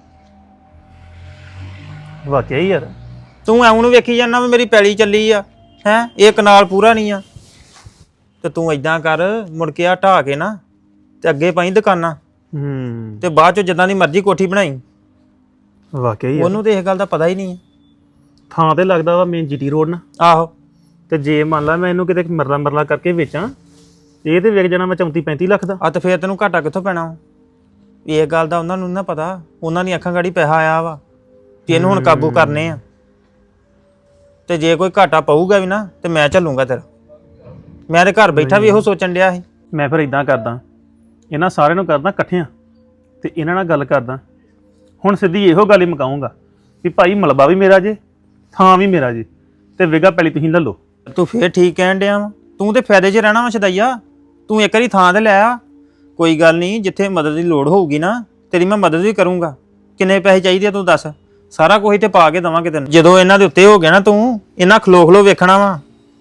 Speaker 1: ਵਾਕਿਆ ਹੀ ਯਾਰ,
Speaker 7: ਤੂੰ ਐਉਂ ਨੂੰ ਵੇਖੀ ਜਾਂਦਾ ਵੀ ਮੇਰੀ ਪੈਲੀ ਚੱਲੀ ਆ ਹੈ, ਇਹ ਕਨਾਲ ਪੂਰਾ ਨਹੀਂ ਆ। ਤੇ ਤੂੰ ਇਦਾਂ ਕਰ, ਮੁੜ ਕੇ ਆ ਢਾਹ ਕੇ ਨਾ ਤੇ ਅੱਗੇ ਪਾਈ ਦੁਕਾਨਾਂ,
Speaker 1: ਹੂੰ
Speaker 7: ਤੇ ਬਾਅਦ ਚ ਜਿੱਦਾਂ ਦੀ ਮਰਜ਼ੀ ਕੋਠੀ ਬਣਾਈ।
Speaker 1: ਵਾਕਿਆ ਹੀ ਯਾਰ,
Speaker 7: ਉਹਨੂੰ ਤੇ ਇਹ ਗੱਲ ਦਾ ਪਤਾ ਹੀ ਨਹੀਂ ਹੈ।
Speaker 1: ਥਾਂ ਤੇ ਲੱਗਦਾ ਵਾ ਮੇਨ ਜੀਟੀ ਰੋਡ ਨਾ,
Speaker 7: ਆਹੋ,
Speaker 1: ਤੇ ਜੇ ਮੰਨ ਲਾ ਮੈਂ ਇਹਨੂੰ ਕਿਤੇ ਮਰਲਾ ਮਰਲਾ ਕਰਕੇ ਵੇਚਾਂ, ਇਹ ਤੇ ਵਿਕ ਜਾਣਾ ਮੈਂ ਚੌਂਤੀ ਪੈਂਤੀ ਲੱਖ ਦਾ।
Speaker 7: ਆ ਤੇ ਫੇਰ ਤੈਨੂੰ ਘਾਟਾ ਕਿੱਥੋਂ ਪੈਣਾ ਵਾ? ਇਹ ਗੱਲ ਦਾ ਉਹਨਾਂ ਨੂੰ ਨਾ ਪਤਾ, ਉਹਨਾਂ ਦੀ ਅੱਖਾਂ ਗਾੜੀ ਪੈਸਾ ਆਇਆ ਵਾ ਕਿ ਇਹਨੂੰ ਹੁਣ ਕਾਬੂ ਕਰਨੇ ਆ। ਤੇ ਜੇ ਕੋਈ ਘਾਟਾ ਪਊਗਾ ਵੀ ਨਾ ਤੇ ਮੈਂ ਚੱਲੂਗਾ ਤੇਰਾ। ਮੈਂ ਤੇ ਘਰ ਬੈਠਾ ਵੀ ਇਹੋ ਸੋਚਣ ਡਿਆ ਸੀ।
Speaker 1: ਮੈਂ ਫਿਰ ਇਦਾਂ ਕਰਦਾ, ਇਹਨਾਂ ਸਾਰਿਆਂ ਨੂੰ ਕਰਦਾ ਇਕੱਠਿਆਂ ਤੇ ਇਹਨਾਂ ਨਾਲ ਗੱਲ ਕਰਦਾ। ਹੁਣ ਸਿੱਧੀ ਇਹੋ ਗੱਲ ਹੀ ਮੁਕਾਉਂਗਾ ਵੀ ਭਾਈ ਮਲਬਾ ਵੀ ਮੇਰਾ ਜੇ, ਥਾਂ ਵੀ ਮੇਰਾ ਜੇ, ਤੇ ਵਿਗਾ ਪੈਲੀ ਤੁਸੀਂ ਲੈ ਲਓ।
Speaker 7: ਤੂੰ ਫੇਰ ਠੀਕ ਕਹਿਣ ਡਿਆ ਵਾ, ਤੂੰ ਤੇ ਫਾਇਦੇ 'ਚ ਰਹਿਣਾ ਵਾ ਛਦਈਆ। ਤੂੰ ਇੱਕ ਵਾਰੀ ਥਾਂ ਤੇ ਲੈ ਆ, ਕੋਈ ਗੱਲ ਨਹੀਂ, ਜਿੱਥੇ ਮਦਦ ਦੀ ਲੋੜ ਹੋਊਗੀ ਨਾ ਤੇਰੀ ਮੈਂ ਮਦਦ ਵੀ ਕਰੂੰਗਾ। ਕਿੰਨੇ ਪੈਸੇ ਚਾਹੀਦੇ ਆ ਤੂੰ ਦੱਸ, ਸਾਰਾ ਕੁਝ ਤੇ ਪਾ ਕੇ ਦੇਵਾਂਗੇ ਤੈਨੂੰ। ਜਦੋਂ ਇਹਨਾਂ ਦੇ ਉੱਤੇ ਹੋ ਗਿਆ ਨਾ ਤੂੰ, ਇਹਨਾਂ ਖਲੋ ਖਲੋ ਵੇਖਣਾ ਵਾ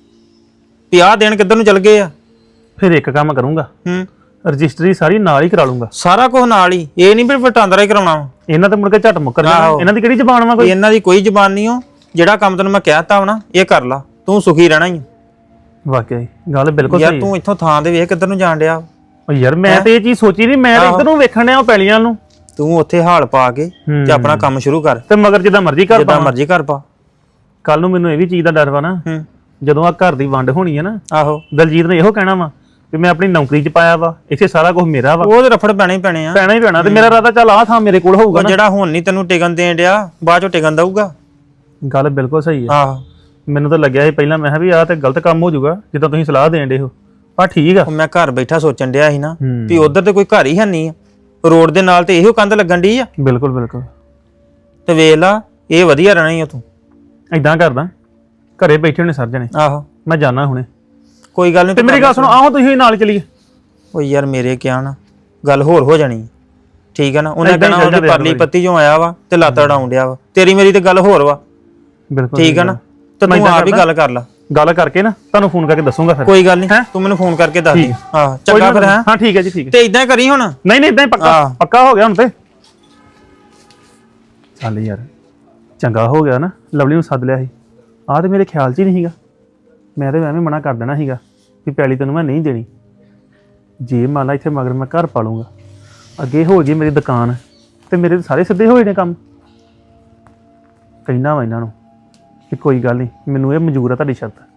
Speaker 7: ਵੀ ਆਹ ਦਿਨ ਕਿੱਧਰ ਨੂੰ ਚੱਲ ਗਏ ਆ।
Speaker 1: ਫਿਰ ਇੱਕ ਕੰਮ ਕਰੂੰਗਾ,
Speaker 7: ਹੂੰ,
Speaker 1: ਰਜਿਸਟਰੀ ਸਾਰੀ ਨਾਲ ਹੀ ਕਰਾ ਲੂੰਗਾ।
Speaker 7: ਸਾਰਾ ਕੁਝ ਨਾਲ ਹੀ, ਇਹ ਨਹੀਂ ਵੀ ਵਟਾਂਦਰਾ ਹੀ ਕਰਾਉਣਾ ਵਾ।
Speaker 1: ਇਹਨਾਂ ਤੇ ਮੁੜ ਕੇ ਝੱਟ ਮੁੱਕਰ ਜਾਣਾ,
Speaker 7: ਆਹੋ।
Speaker 1: ਇਹਨਾਂ ਦੀ ਕਿਹੜੀ ਜ਼ਬਾਨ ਵਾ ਕੋਈ।
Speaker 7: ਇਹਨਾਂ ਦੀ ਕੋਈ ਜ਼ਬਾਨ ਨਹੀਂ ਹੋ, ਜਿਹੜਾ ਕੰਮ ਤੈਨੂੰ ਮੈਂ ਕਹਿਤਾ ਵਾ ਨਾ ਇਹ ਕਰ ਲਾ, ਤੂੰ ਸੁਖੀ ਰਹਿਣਾ ਹੀ।
Speaker 1: ਵਾਕਿਆ ਹੀ ਗੱਲ ਬਿਲਕੁਲ
Speaker 7: ਯਾਰ
Speaker 1: ਸਹੀ
Speaker 7: ਤੂੰ ਇੱਥੋਂ ਥਾਂ ਤੇ ਵੇਖ ਕਿੱਧਰ ਨੂੰ ਜਾਣ ਡਿਆ।
Speaker 1: ਹੈ। ਯਾਰ ਮੈਂ ਤੇ ਇਹ ਚੀਜ਼ ਸੋਚੀ ਨਹੀਂ, ਮੈਂ ਤਾਂ
Speaker 7: ਆਹੋ।
Speaker 1: ਇੱਧਰ ਨੂੰ ਵੇਖਣ ਡਿਆ ਪੈਲੀਆਂ ਨੂੰ,
Speaker 7: ਤੂੰ ਉੱਥੇ ਹਾਲ ਪਾ ਕੇ ਤੇ ਆਪਣਾ ਕੰਮ ਸ਼ੁਰੂ ਕਰ,
Speaker 1: ਤੇ ਮਗਰ ਜਿੱਦਾਂ ਮਰਜ਼ੀ ਕਰ
Speaker 7: ਜਿੱਦਾਂ
Speaker 1: ਪਾ।
Speaker 7: ਮਰਜ਼ੀ ਕਰ ਪਾ।
Speaker 1: ਕੱਲ ਨੂੰ ਮੈਨੂੰ ਇਹ ਵੀ ਚੀਜ਼ ਦਾ ਡਰ ਵਾ ਨਾ,
Speaker 7: ਹੂੰ,
Speaker 1: ਜਦੋਂ ਆ ਘਰ ਦੀ ਵੰਡ ਹੋਣੀ ਹੈ ਨਾ,
Speaker 7: ਆਹੋ,
Speaker 1: ਦਲਜੀਤ ਨੇ ਇਹੋ ਕਹਿਣਾ ਵਾ ਕਿ ਮੈਂ ਆਪਣੀ ਨੌਕਰੀ 'ਚ ਪਾਇਆ ਵਾ, ਇੱਥੇ ਸਾਰਾ ਕੁਝ ਮੇਰਾ ਵਾ,
Speaker 7: ਉਹ ਤੇ ਰਫੜ ਪੈਣੇ ਹੀ ਪੈਣੇ ਆ।
Speaker 1: ਪੈਣਾ ਹੀ ਪੈਣਾ। ਤੇ ਮੇਰਾ ਇਰਾਦਾ ਚੱਲ ਆਹ ਥਾਂ ਮੇਰੇ ਕੋਲ ਹੋਊਗਾ
Speaker 7: ਉਹ
Speaker 1: ਨਾ।
Speaker 7: ਜਿਹੜਾ ਹੁਣ ਨਹੀਂ ਤੈਨੂੰ ਟਿਕਣ ਦੇਣ ਡਿਆ, ਬਾਅਦ ਚੋਂ ਟਿਕਣ ਦਊਗਾ।
Speaker 1: ਗੱਲ ਬਿਲਕੁਲ ਸਹੀ ਹੈ।
Speaker 7: ਆਹੋ,
Speaker 1: ਮੈਨੂੰ ਤਾਂ ਲੱਗਿਆ ਸੀ ਪਹਿਲਾਂ, ਮੈਂ ਕਿਹਾ ਵੀ ਆਹ ਤੇ ਗਲਤ ਕੰਮ ਹੋ ਜਾਊਗਾ ਜਿੱਦਾਂ ਤੁਸੀਂ ਸਲਾਹ ਦੇਣ ਡੇ ਹੋ, ਪਰ ਠੀਕ ਆ।
Speaker 7: ਉਹ ਮੈਂ ਘਰ ਬੈਠਾ ਸੋਚਣ ਡਿਆ ਸੀ ਨਾ
Speaker 1: ਹੂੰ।
Speaker 7: ਵੀ ਉਧਰ ਤੇ ਕੋਈ ਘਰ ਹੀ ਹੈ ਨਹੀਂ ਆ, ਰੋਡ ਦੇ ਨਾਲ ਤੇ ਇਹੋ ਕੰਧ ਲੱਗਣ ਡਈ ਆ।
Speaker 1: ਬਿਲਕੁਲ ਬਿਲਕੁਲ,
Speaker 7: ਤੇ ਵੇਖ ਲਾ, ਇਹ ਵਧੀਆ ਰਹਿਣਾ ਹੀ ਆ ਤੂੰ।
Speaker 1: ਇਦਾਂ ਕਰਦਾ, ਘਰੇ ਬੈਠੇ ਹੋਣੇ ਸਰ ਜਣੇ,
Speaker 7: ਆਹੋ,
Speaker 1: ਮੈਂ ਜਾਣਾ ਹੁਣੇ।
Speaker 7: ਕੋਈ ਗੱਲ ਨਹੀਂ।
Speaker 1: ਤੇ ਮੇਰੀ ਗੱਲ ਸੁਣੋ, ਆਹੋ ਤੁਸੀਂ ਨਾਲ ਚਲੀਏ।
Speaker 7: ਉਹ ਯਾਰ ਮੇਰੇ ਕਿਹਾ ਨਾ ਗੱਲ ਹੋਰ ਹੋ ਜਾਣੀ, ਠੀਕ ਹੈ ਨਾ। ਉਹਨੇ
Speaker 1: ਏਦਾਂ ਹੀ
Speaker 7: ਕਹਿਣਾ
Speaker 1: ਚੱਲ
Speaker 7: ਉਹਦੀ
Speaker 1: ਜਾਂਦੇ
Speaker 7: ਪਰਲੀ
Speaker 1: ਆ
Speaker 7: ਪੱਤੀ ਚੋਂ ਆਇਆ ਵਾ ਤੇ ਲੱਤ ਅੜਾਉਣ ਡਿਆ ਵਾ। ਤੇਰੀ ਮੇਰੀ ਤੇ ਗੱਲ ਹੋਰ ਵਾ,
Speaker 1: ਬਿਲਕੁਲ
Speaker 7: ਠੀਕ ਹੈ ਨਾ। ਤੇ
Speaker 1: ਮੈਂ
Speaker 7: ਤੂੰ
Speaker 1: ਏਦਾਂ
Speaker 7: ਆਪ ਹੀ
Speaker 1: ਕਰਦਾ।
Speaker 7: ਗੱਲ ਕਰ ਲੈ,
Speaker 1: ਗੱਲ ਕਰਕੇ ਨਾ ਤੁਹਾਨੂੰ ਫੋਨ ਕਰਕੇ ਦੱਸੂਗਾ ਫਿਰ।
Speaker 7: ਕੋਈ ਗੱਲ ਨਹੀਂ।
Speaker 1: ਹੈਂ?
Speaker 7: ਤੂੰ ਮੈਨੂੰ ਫੋਨ ਕਰਕੇ ਦੱਸ ਦੇ।
Speaker 1: ਠੀਕ।
Speaker 7: ਹਾਂ
Speaker 1: ਕੋਈ
Speaker 7: ਚੰਗਾ
Speaker 1: ਨਾ,
Speaker 7: ਫਿਰ ਹੈ।
Speaker 1: ਹਾਂ ਠੀਕ ਹੈ ਜੀ, ਠੀਕ ਹੈ।
Speaker 7: ਤੇ ਇਦਾਂ ਕਰੀ ਹੁਣ।
Speaker 1: ਨਹੀਂ ਨਹੀਂ ਇਦਾਂ ਹੀ ਪੱਕਾ
Speaker 7: ਆਹ।
Speaker 1: ਪੱਕਾ ਹੋ ਗਿਆ ਹੁਣ ਤੇ। ਚੱਲ ਯਾਰ ਚੰਗਾ ਹੋ ਗਿਆ ਨਾ, ਲਵਲੀ ਨੂੰ ਸੱਦ ਲਿਆ ਸੀ। ਆਹ ਤੇ ਮੇਰੇ ਖਿਆਲ 'ਚ ਹੀ ਨਹੀਂ ਸੀਗਾ, ਮੈਂ ਤੇ ਐਵੇਂ ਮਨਾ ਕਰ ਦੇਣਾ ਸੀਗਾ ਵੀ ਪੈਲੀ ਤੈਨੂੰ ਮੈਂ ਨਹੀਂ ਦੇਣੀ। ਜੇ ਮੰਨ ਲਾ ਇੱਥੇ ਮਗਰ ਮੈਂ ਘਰ ਪਾ ਲੂੰਗਾ, ਅੱਗੇ ਹੋ ਜੇ ਮੇਰੀ ਦੁਕਾਨ, ਤੇ ਮੇਰੇ ਤਾਂ ਸਾਰੇ ਸਿੱਧੇ ਹੋਏ ਨੇ ਕੰਮ। ਕਹਿਣਾ ਵਾ ਇਹਨਾਂ ਨੂੰ ਕਿ ਕੋਈ ਗੱਲ ਨਹੀਂ, ਮੈਨੂੰ ਇਹ ਮਨਜ਼ੂਰ ਆ ਤੁਹਾਡੀ ਸ਼ਰਤ।